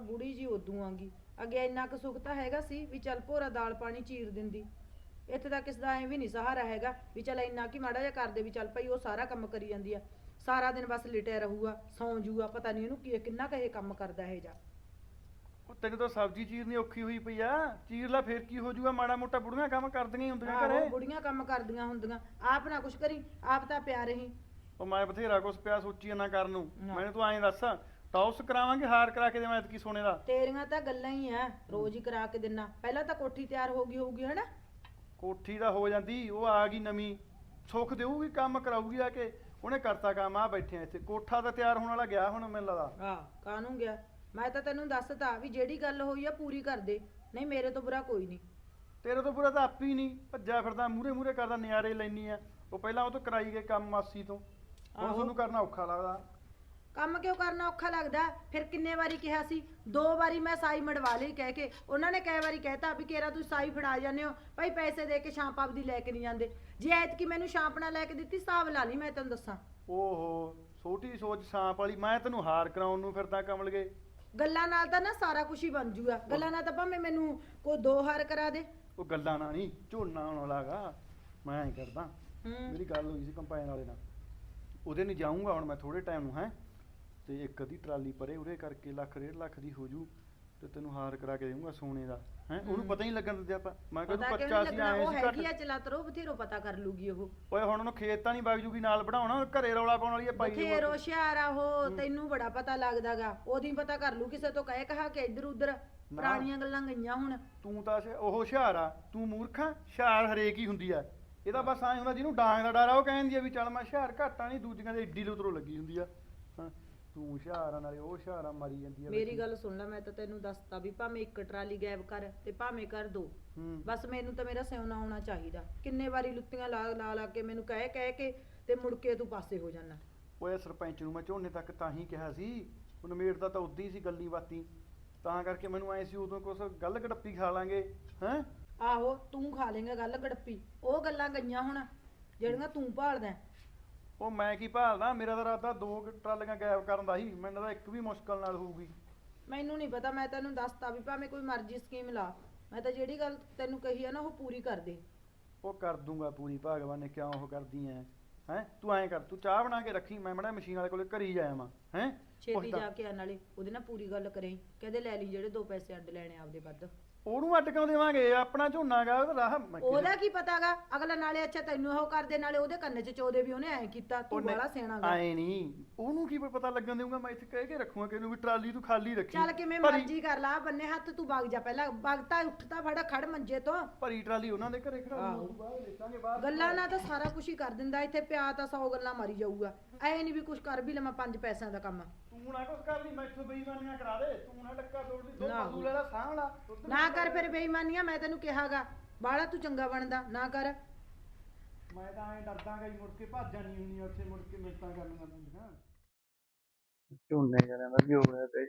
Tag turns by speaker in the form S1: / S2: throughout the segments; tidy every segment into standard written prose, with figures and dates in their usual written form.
S1: ਬੁੜੀ ਜੀ ਉਦੋਂ ਆਂਗੀ। ਅੱਗੇ ਇੰਨਾ ਕੁ ਸੁੱਖ ਤਾਂ ਹੈਗਾ ਸੀ ਵੀ ਚੱਲ ਭੋਰਾ ਦਾਲ ਪਾਣੀ ਚੀਰ ਦਿੰਦੀ। ਇੱਥੇ ਤਾਂ ਕਿਸ ਦਾ ਐ ਵੀ ਨਹੀਂ ਸਹਾਰਾ ਹੈਗਾ ਵੀ ਚੱਲ ਇੰਨਾ ਕੀ ਮਾੜਾ ਜਿਹਾ ਕਰਦੇ ਵੀ ਚੱਲ ਭਾਈ ਉਹ ਸਾਰਾ ਕੰਮ ਕਰੀ ਜਾਂਦੀ ਆ। ਸਾਰਾ ਦਿਨ ਬਸ ਲਿਟਿਆ ਰਹੂਗਾ, ਸੌਂ ਜੂਗਾ, ਪਤਾ ਨਹੀਂ ਇਹਨੂੰ ਕੀ ਕਿੰਨਾ ਕੁ ਇਹ ਕੰਮ ਕਰਦਾ ਇਹ ਜਾ।
S2: ਉਹ ਤੈਨੂੰ ਤਾਂ ਸਬਜ਼ੀ ਚੀਰਨੀ ਔਖੀ ਹੋਈ ਪਈ ਆ। ਚੀਰ ਲੈ ਫੇਰ ਕੀ ਹੋ ਜਾਊਗਾ, ਮਾੜਾ ਮੋਟਾ ਬੁੜੀਆਂ ਕੰਮ ਕਰਦੀਆਂ ਹੀ ਹੁੰਦੀਆਂ
S1: ਆਹੋ
S2: ਘਰੇ।
S1: ਬੁੜੀਆਂ ਕੰਮ ਕਰਦੀਆਂ ਹੁੰਦੀਆਂ। ਆਪ ਨਾ ਕੁਛ ਕਰੀ, ਆਪ ਤਾਂ ਪਿਆ ਰਹੀ।
S2: ਉਹ ਮੈਂ ਬਥੇਰਾ ਕੁਛ ਪਿਆ ਸੋਚੀ ਨਾ ਕਰਨ ਨੂੰ।
S1: ਨਾ।
S2: ਮੈਨੂੰ ਤੂੰ ਐਂ ਦੱਸ, ਟੌਸ ਕਰਾਵਾਂਗੇ ਹਾਰ ਕਰਾ ਕੇ ਦੇਵਾਂ ਐਤਕੀ ਸੋਨੇ ਦਾ?
S1: ਤੇਰੀਆਂ ਤਾਂ ਗੱਲਾਂ ਹੀ ਆ, ਰੋਜ਼ ਹੀ ਕਰਾ ਕੇ ਦਿਨਾ। ਪਹਿਲਾਂ ਤਾਂ ਕੋਠੀ ਤਿਆਰ ਹੋ ਗਈ ਹੋਊਗੀ ਹਨਾ।
S2: ਕੋਠੀ ਦਾ ਹੋ ਜਾਂਦੀ, ਉਹ ਆ ਗਈ ਨਵੀਂ। ਸੁੱਖ ਦੇਊਗੀ, ਕੰਮ ਕਰਾਊਗੀ ਆ ਕੇ। ਉਹਨੇ ਕਰਤਾ ਕੰਮ, ਆ ਬੈਠੇ ਆ ਇੱਥੇ। ਕੋਠਾ ਤਾਂ ਤਿਆਰ ਹੋਣ ਵਾਲਾ ਗਿਆ ਹੁਣ ਮੈਨੂੰ ਲੱਗਦਾ।
S1: ਆਹ ਕਾਹਨੂੰ ਗਿਆ? ਮੈਂ ਤਾਂ ਤੈਨੂੰ ਦੱਸਤਾ ਵੀ ਜਿਹੜੀ ਗੱਲ ਹੋਈ ਆ ਪੂਰੀ ਕਰ ਦੇ, ਨਹੀਂ ਮੇਰੇ ਤੋਂ ਬੁਰਾ ਕੋਈ ਨਹੀਂ।
S2: ਤੇਰੇ ਤੋਂ ਬੁਰਾ ਤਾਂ ਆਪੀ ਹੀ ਨਹੀਂ, ਭੱਜਿਆ ਫਿਰਦਾ ਮੂਰੇ ਮੂਰੇ ਕਰਦਾ, ਨਿਆਰੇ ਲੈਣੀ ਆ। ਉਹ ਪਹਿਲਾਂ ਉਹ ਤੋਂ ਕਰਾਈ ਗਏ ਕੰਮ ਮਾਸੀ ਤੋਂ, ਹੁਣ
S1: ਆਹੋ।
S2: ਤੁਹਾਨੂੰ ਕਰਨਾ ਔਖਾ ਲੱਗਦਾ।
S1: ਕੰਮ ਕਿਉਂ ਕਰਨਾ ਔਖਾ ਲੱਗਦਾ? ਫਿਰ ਕਿੰਨੇ ਵਾਰੀ ਕਿਹਾ ਸੀ? 2 ਵਾਰੀ ਮੈਂ ਸਾਈ ਮੜਵਾ ਲਈ ਕਹਿ ਕੇ। ਉਹਨਾਂ ਨੇ ਕਈ ਵਾਰੀ ਕਹਿਤਾ ਵੀ ਕੇਰਾ ਤੁਸੀਂ ਸਾਈ ਫੜਾ ਜਾਂਦੇ ਹੋ ਭਾਈ, ਪੈਸੇ ਦੇ ਕੇ ਛਾਂਪ ਆਪਦੀ ਲੈ ਕੇ ਨਹੀਂ ਜਾਂਦੇ। ਜੇ ਐਤਕੀ ਮੈਨੂੰ ਛਾਂਪ ਨਾ ਲੈ ਕੇ ਦਿੱਤੀ, ਹਿਸਾਬ ਲਾ ਲਈ ਮੈਂ ਤੈਨੂੰ ਦੱਸਾਂ।
S2: ਓਹੋ, ਛੋਟੀ ਸੋਚ ਸਾਂਪ ਵਾਲੀ। ਮੈਂ ਤੈਨੂੰ ਹਾਰ ਕਰਾਉਣ ਨੂੰ ਫਿਰਦਾ ਕਮਲ ਗਏ।
S1: ਗੱਲਾਂ ਨਾਲ ਤਾਂ ਨਾ ਸਾਰਾ ਕੁਝ ਹੀ ਬਣ ਜੂਗਾ। ਗੱਲਾਂ ਨਾਲ ਤਾਂ ਭਾਵੇਂ ਮੈਨੂੰ ਕੋਈ 2 ਹਾਰ ਕਰਾ ਦੇ।
S2: ਉਹ ਗੱਲਾਂ ਨਾਲ ਨਹੀਂ, ਝੋਨਾ ਆਉਣ ਵਾਲਾਗਾ। ਮੈਂ ਐਂ ਕਰਦਾ,
S1: ਹੂੰ।
S2: ਮੇਰੀ ਗੱਲ ਹੋਈ ਸੀ ਕੰਪਾਈਨ ਵਾਲੇ ਨਾਲ। ਉਹਦੇ ਨਹੀਂ ਜਾਊਂਗਾ ਹੁਣ ਮੈਂ ਥੋੜੇ ਟਾਈਮ ਨੂੰ, ਹੈ ਤੇ ਇੱਕ ਅੱਧੀ ਟਰਾਲੀ ਪਰੇ ਉਰੇ ਕਰਕੇ ਲੱਖ 1.5 ਲੱਖ ਦੀ ਹੋ ਜੂ, ਤੇ ਤੈਨੂੰ ਹਾਰ ਕਰਾ ਕੇ ਦੇਊਂਗਾ ਸੋਨੇ ਦਾ। ਹੈ ਉਹਨੂੰ ਪਤਾ ਹੀ ਨਹੀਂ ਲੱਗਣ ਦਿੰਦੇ ਆਪਾਂ। ਮੈਂ ਕਿਹਾ ਤੂੰ ਕੱਚਾ ਸੀ, ਆਏ
S1: ਉਹ
S2: ਸੀ
S1: ਹੈਗੀ ਆ
S2: ਘੱਟ।
S1: ਚਲਾਤਰੋ, ਬਥੇਰੋ ਪਤਾ ਕਰ ਲੂਗੀ ਉਹ।
S2: ਓਏ ਹੁਣ ਉਹਨੂੰ ਖੇਤ ਤਾਂ ਨਹੀਂ ਵਗ ਜੂਗੀ ਨਾਲ ਬਣਾਉਣਾ, ਘਰੇ ਰੌਲਾ ਪਾਉਣ ਵਾਲੀ ਆ ਪਾਈ ਜਾਊਗਾ।
S1: ਬਥੇਰੋ ਹੁਸ਼ਿਆਰ ਆ ਉਹ, ਤੈਨੂੰ ਬੜਾ ਪਤਾ ਲੱਗਦਾਗਾ। ਉਹਦੀ ਪਤਾ ਕਰ ਲੂ ਕਿਸੇ ਤੋਂ ਕਹੇ ਕਹਾ ਕੇ ਇੱਧਰ ਉੱਧਰ। ਪੁਰਾਣੀਆਂ ਗੱਲਾਂ ਗਈਆਂ ਹੁਣ।
S2: ਤੂੰ ਤਾਂ ਉਹ ਹੁਸ਼ਿਆਰ ਆ, ਤੂੰ ਮੂਰਖ ਆ। ਹੁਸ਼ਿਆਰ ਹਰੇਕ ਹੀ ਹੁੰਦੀ ਆ। ਇਹਦਾ ਬਸ ਐਂ ਹੁੰਦਾ ਜਿਹਨੂੰ ਡਾਂਗ ਦਾ ਡਰ ਆ ਉਹ ਕਹਿੰਦੀ ਆ ਵੀ ਚੱਲ ਮੈਂ ਹੁਸ਼ਿਆਰ ਘਾਟਾ ਨਹੀਂ, ਦੂਜੀਆਂ ਦੇ ਏਡੀ ਲੁਤਰੋਂ ਲੱਗੀ ਹੁੰਦੀ ਆ। ਹਾਂ, ਤੂੰ ਹੁਸ਼ਿਆਰ ਆ ਨਾਲੇ ਉਹ ਹੁਸ਼ਿਆਰ ਆ, ਮਾਰੀ ਜਾਂਦੀ ਆ।
S1: ਮੇਰੀ ਗੱਲ ਸੁਣ ਲੈ, ਮੈਂ ਤਾਂ ਤੈਨੂੰ ਦੱਸਤਾ ਵੀ ਭਾਵੇਂ 1 ਟਰਾਲੀ ਗਾਇਬ ਕਰ ਤੇ ਭਾਵੇਂ ਕਰ 2। ਬਸ ਮੈਨੂੰ ਤਾਂ ਮੇਰਾ ਸਿਉਣਾ ਹੋਣਾ ਚਾਹੀਦਾ। ਕਿੰਨੇ ਵਾਰੀ ਲੁੱਤੀਆਂ ਲਾ ਲਾ ਲਾ ਕੇ ਮੈਨੂੰ ਕਹਿ ਕੇ ਤੇ ਮੁੜ ਕੇ ਤੂੰ ਪਾਸੇ ਹੋ ਜਾਣਾ।
S2: ਓਏ ਸਰਪੰਚ ਨੂੰ ਮੈਂ ਝੋਨੇ ਤੱਕ ਤਾਂ ਹੀ ਕਿਹਾ ਸੀ, ਉਹ ਨਿਮੇੜਦਾ ਤਾਂ ਉਦੋਂ ਹੀ ਸੀ ਗੱਲੀ ਬਾਤੀ। ਤਾਂ ਕਰਕੇ ਮੈਨੂੰ ਐ ਸੀ ਉਦੋਂ ਕੁਛ ਗੱਲ ਗੜੱਪੀ ਖਾ ਲਾਂਗੇ। ਹੈਂ
S1: ਆਹੋ, ਤੂੰ ਖਾ ਲੇਗਾ ਗੱਲ ਗੜੱਪੀ। ਉਹ ਗੱਲਾਂ ਗਈਆਂ ਹੁਣ ਜਿਹੜੀਆਂ ਤੂੰ ਭਾਲਦਾ।
S2: ਉਹ ਮੈਂ ਕੀ ਭਾਲਦਾ, ਮੇਰਾ ਤਾਂ ਇਰਾਦਾ 2 ਟਰਾਲੀਆਂ ਗਾਇਬ ਕਰਨ ਦਾ ਸੀ। ਮੈਨੂੰ ਤਾਂ ਇੱਕ ਵੀ ਮੁਸ਼ਕਲ ਨਾਲ ਹੋਊਗੀ।
S1: ਮੈਨੂੰ ਨਹੀਂ ਪਤਾ, ਮੈਂ ਤੈਨੂੰ ਦੱਸਤਾ ਵੀ ਭਾਵੇਂ ਕੋਈ ਮਰਜ਼ੀ ਸਕੀਮ ਲਾ। ਮੈਂ ਤਾਂ ਜਿਹੜੀ ਗੱਲ ਤੈਨੂੰ ਕਹੀ ਆ ਨਾ ਉਹ ਪੂਰੀ ਕਰ ਦੇ।
S2: ਉਹ ਕਰ ਦੂੰਗਾ ਪੂਰੀ, ਭਗਵਾਨ ਨੇ ਕਿਉਂ ਉਹ ਕਰਦੀ ਐ। ਹੈਂ ਤੂੰ ਐਂ ਕਰ, ਤੂੰ ਚਾਹ ਬਣਾ ਕੇ ਰੱਖੀ, ਮੈਂ ਮੜਾ ਮਸ਼ੀਨ ਵਾਲੇ ਕੋਲੇ ਘਰੀ ਜਾਇਆ ਵਾਂ। ਹੈਂ
S1: ਛੇਤੀ ਜਾ ਕੇ ਆ, ਨਾਲੇ ਉਹਦੇ ਨਾਲ ਪੂਰੀ ਗੱਲ ਕਰੇ। ਕਹਿੰਦੇ ਲੈ ਲਈ ਜਿਹੜੇ 2 ਪੈਸੇ ਅੱਡ ਲੈਣੇ ਆਪਦੇ ਵੱਧ।
S2: ਉਹਨੂੰ ਅੱਡ ਕਿਉਂ ਦੇਵਾਂਗੇ? ਆਪਣਾ ਝੋਨਾ ਗਾ, ਉਹਦਾ ਰਾਹ
S1: ਉਹਦਾ ਕੀ ਪਤਾਗਾ? ਅਗਲਾ ਨਾਲੇ ਅੱਛਾ ਤੈਨੂੰ ਉਹ ਕਰਦੇ, ਨਾਲੇ ਉਹਦੇ ਕੰਨ 'ਚ ਚੋਦੇ ਵੀ ਉਹਨੇ ਐਂ ਕੀਤਾ। ਤੂੰ ਬੜਾ ਸਿਆਣਾਗਾ।
S2: ਐ ਨਹੀਂ, ਉਹਨੂੰ ਕੀ ਪਤਾ ਲੱਗਣ ਦੇਊਗਾ? ਮੈਂ ਇੱਥੇ ਕਹਿ ਕੇ ਰੱਖੂਗਾ ਕਿ ਇਹਨੂੰ ਵੀ ਟਰਾਲੀ ਤੂੰ ਖਾਲੀ ਰੱਖੀ।
S1: ਚੱਲ ਕਿਵੇਂ ਮਰਜ਼ੀ ਕਰ ਲਾ, ਬੰਨੇ ਹੱਥ ਤੂੰ ਵਗ ਜਾ। ਪਹਿਲਾਂ ਵਗਤਾ ਉੱਠਦਾ ਫੜ ਖੜ ਮੰਜੇ ਤੋਂ।
S2: ਭਰੀ ਟਰਾਲੀ ਉਹਨਾਂ ਦੇ ਘਰੇ ਖੜਾ ਦੂੰ, ਤੂੰ ਬਾਹਰ ਦੇਖਾਂਗੇ ਬਾਹਰ।
S1: ਗੱਲਾਂ ਨਾਲ ਤਾਂ ਸਾਰਾ ਕੁਝ ਹੀ ਕਰ ਦਿੰਦਾ। ਇੱਥੇ ਪਿਆ ਤਾਂ 100 ਗੱਲਾਂ ਮਾਰੀ ਜਾਊਗਾ। ਐ ਨਹੀਂ ਵੀ ਕੁਝ ਕਰ ਵੀ ਲਵਾਂ 5 ਪੈਸਿਆਂ ਦਾ ਕੰਮ।
S2: ਤੂੰ ਨਾ ਕੁਛ ਕਰ ਲਈ, ਮੈਥੋਂ ਬੇਈਮਾਨੀਆਂ ਕਰਾ ਦੇ। ਤੂੰ ਨਾ ਡੱਕਾ ਤੋੜ ਲਈ, ਦੋ
S1: ਨਾ।
S2: ਪਸ਼ੂ ਲੈ ਲਾ, ਸਾਂਭ ਲਾ।
S1: ਨਾ ਕਰ ਫਿਰ ਬੇਈਮਾਨੀਆਂ। ਮੈਂ ਤੈਨੂੰ ਕਿਹਾਗਾ ਬਾਹਲਾ ਤੂੰ ਚੰਗਾ ਬਣਦਾ ਨਾ ਕਰ।
S2: ਮੈਂ ਤਾਂ ਐਂ ਡਰਦਾ ਗਈ, ਮੁੜ ਕੇ ਭੱਜ ਜਾਣੀ ਹੁੰਦੀ ਆ ਉੱਥੇ, ਮੁੜ ਕੇ ਮਿੰਟਾਂ ਕਰਨੀਆਂ ਪੈਂਦੀਆਂ। ਝੋਨੇ ਜਰਿਆਂ ਦਾ ਵੀ ਹੋ ਗਿਆ ਤੇ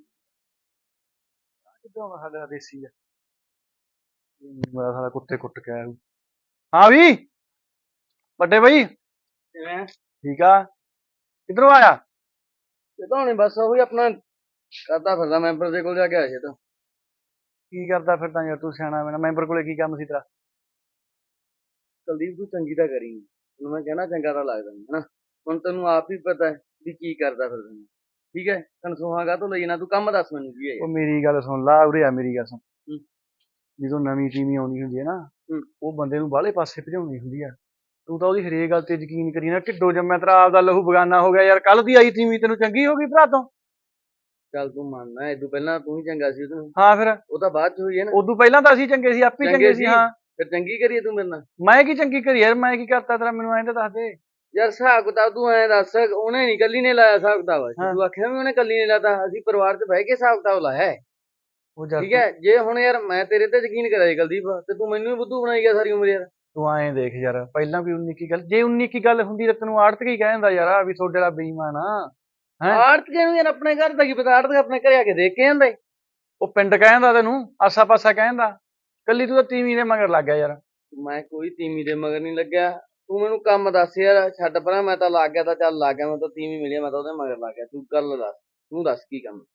S2: ਕਿੱਦਾਂ ਵਾ ਸਾਡਾ ਦੇਸੀ ਆ। ਮੇਰਾ ਸਾਲਾ ਕੁੱਤੇ ਕੁੱਟ ਕੇ ਆਇਆ। ਹਾਂ ਵੀ ਵੱਡੇ ਬਾਈ
S3: ਕਿਵੇਂ
S2: ਠੀਕ ਆ? ਕਿੱਧਰੋਂ ਆਇਆ?
S3: ਇਹ ਤਾਂ ਹੁਣੇ ਬਸ ਉਹੀ ਆਪਣਾ ਕਰਦਾ ਫਿਰਦਾ ਮੈਂਬਰ ਦੇ ਕੋਲ ਜਾ ਕੇ ਆਇਆ ਸੀ ਤਾਂ।
S2: ਕੀ ਕਰਦਾ ਫਿਰਦਾ ਯਾਰ ਤੂੰ ਸਿਆਣਾ ਬਣਾ? ਮੈਂਬਰ ਕੋਲੇ ਕੀ ਕੰਮ ਸੀ ਤੇਰਾ?
S3: ਕੁਲਦੀਪ ਤੂੰ ਚੰਗੀ ਤਾਂ ਕਰੀ ਹੁਣ ਮੈਂ ਕਹਿਣਾ ਚੰਗਾ ਤਾਂ ਲੱਗਦਾ ਨੀ ਹਨਾ। ਹੁਣ ਤੈਨੂੰ ਆਪ ਹੀ ਪਤਾ ਹੈ ਵੀ ਕੀ ਕਰਦਾ ਫਿਰਦਾ ਮੈਂ। ਠੀਕ ਹੈ, ਕਨਸੂਹਾਗਾ ਤੋਂ ਲਈ ਨਾ, ਤੂੰ ਕੰਮ ਦੱਸ ਮੈਨੂੰ ਕੀ ਹੈ
S2: ਉਹ
S3: ਯਾਰ।
S2: ਮੇਰੀ ਗੱਲ ਸੁਣ ਲਾ, ਉਰੇ ਆ ਮੇਰੀ ਗੱਲ ਸੁਣ।
S3: ਹੂੰ।
S2: ਜਦੋਂ ਨਵੀਂ ਟੀਮ ਆਉਂਦੀ ਹੁੰਦੀ ਹੈ ਨਾ,
S3: ਹੂੰ।
S2: ਉਹ ਬੰਦੇ ਨੂੰ ਬਾਹਲੇ ਪਾਸੇ ਭਜਾਉਣੀ ਹੁੰਦੀ ਆ। ਤੂੰ ਤਾਂ ਉਹਦੀ ਹਰੇਕ ਗੱਲ ਤੇ ਯਕੀਨ ਕਰੀ ਨਾ। ਢਿੱਡੋਂ ਜੰਮਿਆ ਤੇਰਾ ਆਪਦਾ ਲਹੂ ਬਗਾਨਾ ਹੋ ਗਿਆ ਯਾਰ। ਕੱਲ ਦੀ ਆਈ ਟੀਮ ਤੈਨੂੰ ਚੰਗੀ ਹੋ ਗਈ ਭਰਾ ਤੋਂ?
S3: ਚੱਲ ਤੂੰ ਮੰਨਣਾ ਇਹ ਤੋਂ ਪਹਿਲਾਂ ਤੂੰ ਹੀ ਚੰਗਾ ਸੀ ਉਹਨੂੰ।
S2: ਹਾਂ ਫਿਰ
S3: ਉਹ ਤਾਂ ਬਾਅਦ ਚ ਹੋਈ ਹੈ ਨਾ।
S2: ਉਦੋਂ ਪਹਿਲਾਂ ਤਾਂ ਅਸੀਂ ਚੰਗੇ ਸੀ, ਆਪੇ ਚੰਗੇ ਸੀ। ਹਾਂ
S3: ਫਿਰ ਚੰਗੀ ਕਰੀਏ ਤੂੰ ਮੇਰੇ ਨਾਲ।
S2: ਮੈਂ ਕੀ ਚੰਗੀ ਕਰੀ ਯਾਰ? ਮੈਂ ਕੀ ਕਰਤਾ ਤੇਰਾ? ਮੈਨੂੰ ਐਂ ਤਾਂ ਦੱਸ ਦੇ।
S3: ਯਾਰ ਹਿਸਾਬ ਕਿਤਾਬ ਤੂੰ ਐਂ ਦੱਸ, ਉਹਨੇ ਨੀ ਕੱਲੀ ਨੇ ਲਾਇਆ ਹਿਸਾਬ ਕਿਤਾਬ। ਤੂੰ ਆਖਿਆ ਵੀ ਉਹਨੇ ਕੱਲੀ ਨੇ ਲਾਤਾ, ਅਸੀਂ ਪਰਿਵਾਰ ਚ ਬਹਿ ਕੇ ਹਿਸਾਬ ਕਿਤਾਬ ਲਾਇਆ।
S2: ਉਹ
S3: ਠੀਕ ਹੈ, ਜੇ ਹੁਣ ਯਾਰ ਮੈਂ ਤੇਰੇ ਤੇ ਯਕੀਨ ਕਰਿਆ ਜੀ ਕੁਲਦੀਪ, ਤੇ ਤੂੰ ਮੈਨੂੰ ਵੀ ਬੁੱਧੂ ਬਣਾਈ ਗਿਆ ਸਾਰੀ ਉਮਰ ਯਾਰ।
S2: ਤੂੰ ਐਂ ਦੇਖ ਯਾਰ, ਪਹਿਲਾਂ ਕੋਈ 19 ਕੀ ਗੱਲ, ਜੇ 19 ਕੀ ਗੱਲ ਹੁੰਦੀ ਤਾਂ ਤੈਨੂੰ ਆੜਤ ਕੀ ਕਹਿ ਦਿੰਦਾ ਯਾਰ ਵੀ ਤੁਹਾਡੇ ਵਾਲਾ ਬੇਈਮਾਨ ਆ।
S3: ਆੜਤੀਏ ਨੂੰ ਯਾਰ ਆਪਣੇ ਘਰ ਦਾ ਕੀ ਪਤਾ? ਆੜਤ ਆਪਣੇ ਘਰੇ ਆ ਕੇ ਦੇਖ ਕੇ ਜਾਂਦਾ।
S2: ਉਹ ਪਿੰਡ ਕਹਿੰਦਾ ਤੈਨੂੰ, ਆਸਾ ਪਾਸਾ ਕਹਿੰਦਾ। ਕੱਲੀ ਤੂੰ ਤਾਂ ਤੀਵੀਂ ਦੇ ਮਗਰ ਲੱਗ ਗਿਆ ਯਾਰ।
S3: ਮੈਂ ਕੋਈ ਤੀਵੀਂ ਦੇ ਮਗਰ ਨਹੀਂ ਲੱਗਿਆ। ਤੂੰ ਮੈਨੂੰ ਕੰਮ ਦੱਸ ਯਾਰ। ਛੱਡ ਪਰਾਂ, ਮੈਂ ਤਾਂ ਲੱਗ ਗਿਆ ਤਾਂ ਚੱਲ ਲੱਗ ਗਿਆ। ਮੈਂ ਤਾਂ ਤੀਵੀਂ ਮਿਲੀ, ਮੈਂ ਤਾਂ ਉਹਦੇ ਮਗਰ ਲੱਗ ਗਿਆ। ਤੂੰ ਗੱਲ ਦੱਸ, ਤੂੰ ਦੱਸ ਕੀ ਕੰਮ?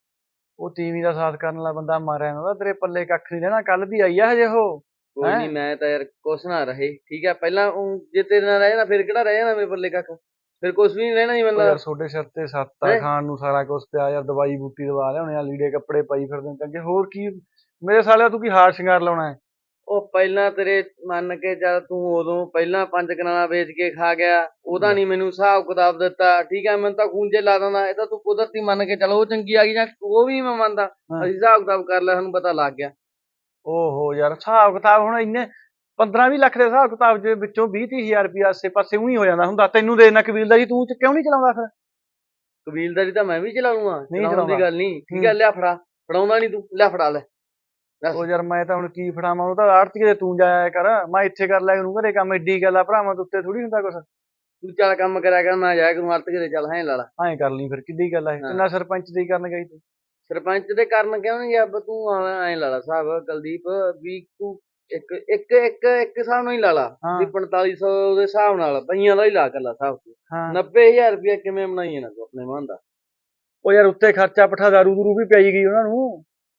S2: ਉਹ ਤੀਵੀਂ ਦਾ ਸਾਥ ਕਰਨ ਵਾਲਾ ਬੰਦਾ ਮਾਰਿਆ ਨਾ ਤੇਰੇ ਪੱਲੇ ਕੱਖ ਨਹੀਂ ਰਹਿਣਾ। ਕੱਲ ਦੀ ਆਈ ਆ ਹਜੇ ਉਹ।
S3: ਕੋਈ
S2: ਹੈਂ?
S3: ਨਹੀਂ, ਮੈਂ ਤਾਂ ਯਾਰ ਕੁਛ ਨਾ ਰਹੇ, ਠੀਕ ਹੈ। ਪਹਿਲਾਂ ਜੇ ਤੇਰੇ ਨਾਲ ਰਹੇ ਨਾ ਫਿਰ ਕਿਹੜਾ ਰਹਿ ਜਾਣਾ ਮੇਰੇ ਪੱਲੇ ਕੱਖ, ਫਿਰ ਕੁਛ ਵੀ ਨਹੀਂ ਰਹਿਣਾ ਜੀ
S2: ਉਹ
S3: ਬੰਦਾ।
S2: ਯਾਰ ਤੁਹਾਡੇ ਸਿਰ ਤੇ ਸੱਤ ਆ,
S3: ਹੈਂ?
S2: ਖਾਣ ਨੂੰ ਸਾਰਾ ਕੁਛ ਪਿਆ ਯਾਰ, ਦਵਾਈ ਬੂਟੀ ਦਵਾ ਲਿਆਉਣੇ ਆ, ਲੀੜੇ ਕੱਪੜੇ ਪਾਈ ਫਿਰਦੇ ਨੇ ਚੰਗੇ, ਹੋਰ ਕੀ ਮੇਰੇ ਸਾਲਿਆ ਤੂੰ ਕੀ ਹਾਰ ਸ਼ਿੰਗਾਰ ਲਾਉਣਾ ਹੈ?
S3: ਉਹ ਪਹਿਲਾਂ ਤੇਰੇ ਮੰਨ ਕੇ ਚੱਲ, ਤੂੰ ਉਦੋਂ ਪਹਿਲਾਂ 5 ਕਨਾਲਾਂ ਵੇਚ ਕੇ ਖਾ ਗਿਆ, ਉਹਦਾ ਨਹੀਂ ਮੈਨੂੰ ਹਿਸਾਬ ਕਿਤਾਬ ਦਿੱਤਾ, ਠੀਕ ਹੈ। ਮੈਨੂੰ ਤਾਂ ਖੂੰਜੇ ਲਾ ਦਿੰਦਾ, ਇਹ ਤਾਂ ਤੂੰ ਕੁਦਰਤੀ ਮੰਨ ਕੇ ਚੱਲ ਉਹ ਚੰਗੀ ਆ ਗਈ, ਜਾਂ ਉਹ ਵੀ ਮੈਂ ਮੰਨਦਾ।
S2: ਹਾਂ।
S3: ਅਸੀਂ ਹਿਸਾਬ ਕਿਤਾਬ ਕਰ ਲਿਆ, ਸਾਨੂੰ ਪਤਾ ਲੱਗ ਗਿਆ।
S2: ਓਹੋ ਯਾਰ, ਹਿਸਾਬ ਕਿਤਾਬ ਹੁਣ ਇੰਨੇ 15-20 ਲੱਖ ਦੇ ਹਿਸਾਬ ਕਿਤਾਬ ਦੇ ਵਿੱਚੋਂ 20-30 ਹਜ਼ਾਰ ਰੁਪਇਆ ਆਸੇ ਪਾਸੇ ਉਹੀ ਹੋ ਜਾਂਦਾ ਹੁੰਦਾ। ਤੈਨੂੰ ਦੇ ਦੇਣਾ ਕਬੀਲਦਾਰੀ, ਤੂੰ ਕਿਉਂ ਨਹੀਂ ਚਲਾਉਂਦਾ ਫਿਰ?
S3: ਕਬੀਲਦਾਰੀ ਤਾਂ ਮੈਂ ਵੀ ਚਲਾ ਲੂੰਗਾ,
S2: ਨਹੀਂ
S3: ਚਲਾਉਣ ਦੀ
S2: ਚਲਾਉਂਦਾ।
S3: ਗੱਲ ਨਹੀਂ, ਠੀਕ ਹੈ। ਲਿਆ ਫੜਾ, ਫੜਾਉਂਦਾ ਨਹੀਂ ਤੂੰ, ਲਿਆ ਫੜਾ ਲੈ।
S2: ਉਹ ਯਾਰ ਮੈਂ ਤਾਂ ਹੁਣ ਕੀ ਫੜਾਵਾਂ, ਉਹ ਤਾਂ ਆੜਤੀਏ ਦੇ ਤੂੰ ਜਾਇਆ ਕਰ, ਮੈਂ ਇੱਥੇ ਕਰ ਲਿਆ ਕਰੂੰ ਘਰੇ ਕੰਮ। ਐਡੀ ਗੱਲ ਆ ਭਰਾਵਾਂ ਦੇ ਉੱਤੇ ਥੋੜੀ ਹੁੰਦਾ ਕੁਛ।
S3: ਤੂੰ ਚੱਲ ਕੰਮ ਕਰਿਆ ਕਰ, ਮੈਂ ਜਾਇਆ ਕਰੂੰ ਅਰਤ ਕਿਤੇ, ਚੱਲ ਹੈਂ ਲਾ ਲਾ।
S2: ਐਂ ਕਰ ਲਈ ਫਿਰ, ਕਿੱਡੀ ਗੱਲ ਆ ਇਹ?
S3: ਹਾਂ।
S2: ਕਿੰਨਾ ਸਰਪੰਚ ਦੀ ਕਰਨ ਗਈ ਤੂੰ?
S3: ਸਰਪੰਚ ਦੇ ਕਾਰਨ ਕਿਉਂ ਨਹੀਂ ਗਿਆ? ਤੂੰ ਐਂ ਲਾ ਲਾ ਹਿਸਾਬ ਕੁਲਦੀਪ, ਵੀ ਤੂੰ ਇੱਕ ਇੱਕ ਇੱਕ ਇੱਕ ਹਿਸਾਬ ਨਾਲ ਹੀ ਲਾ ਲਾ,
S2: ਹਾਂ।
S3: ਵੀ 4500 ਦੇ ਹਿਸਾਬ ਨਾਲ ਪਈਆਂ ਦਾ ਹੀ ਲਾ ਕਰ ਲਾ ਹਿਸਾਬ ਤੂੰ।
S2: ਹਾਂ
S3: 90,000 ਰੁਪਇਆ ਕਿਵੇਂ ਬਣਾਈ ਨਾ ਤੂੰ ਆਪਣੇ ਮਨ ਦਾ?
S2: ਉਹ ਯਾਰ ਉੱਤੇ ਖਰਚਾ ਪੱਠਾ ਦਾਰੂ ਦੂਰੂ ਵੀ ਪਈ ਗਈ ਉਹਨਾਂ ਨੂੰ।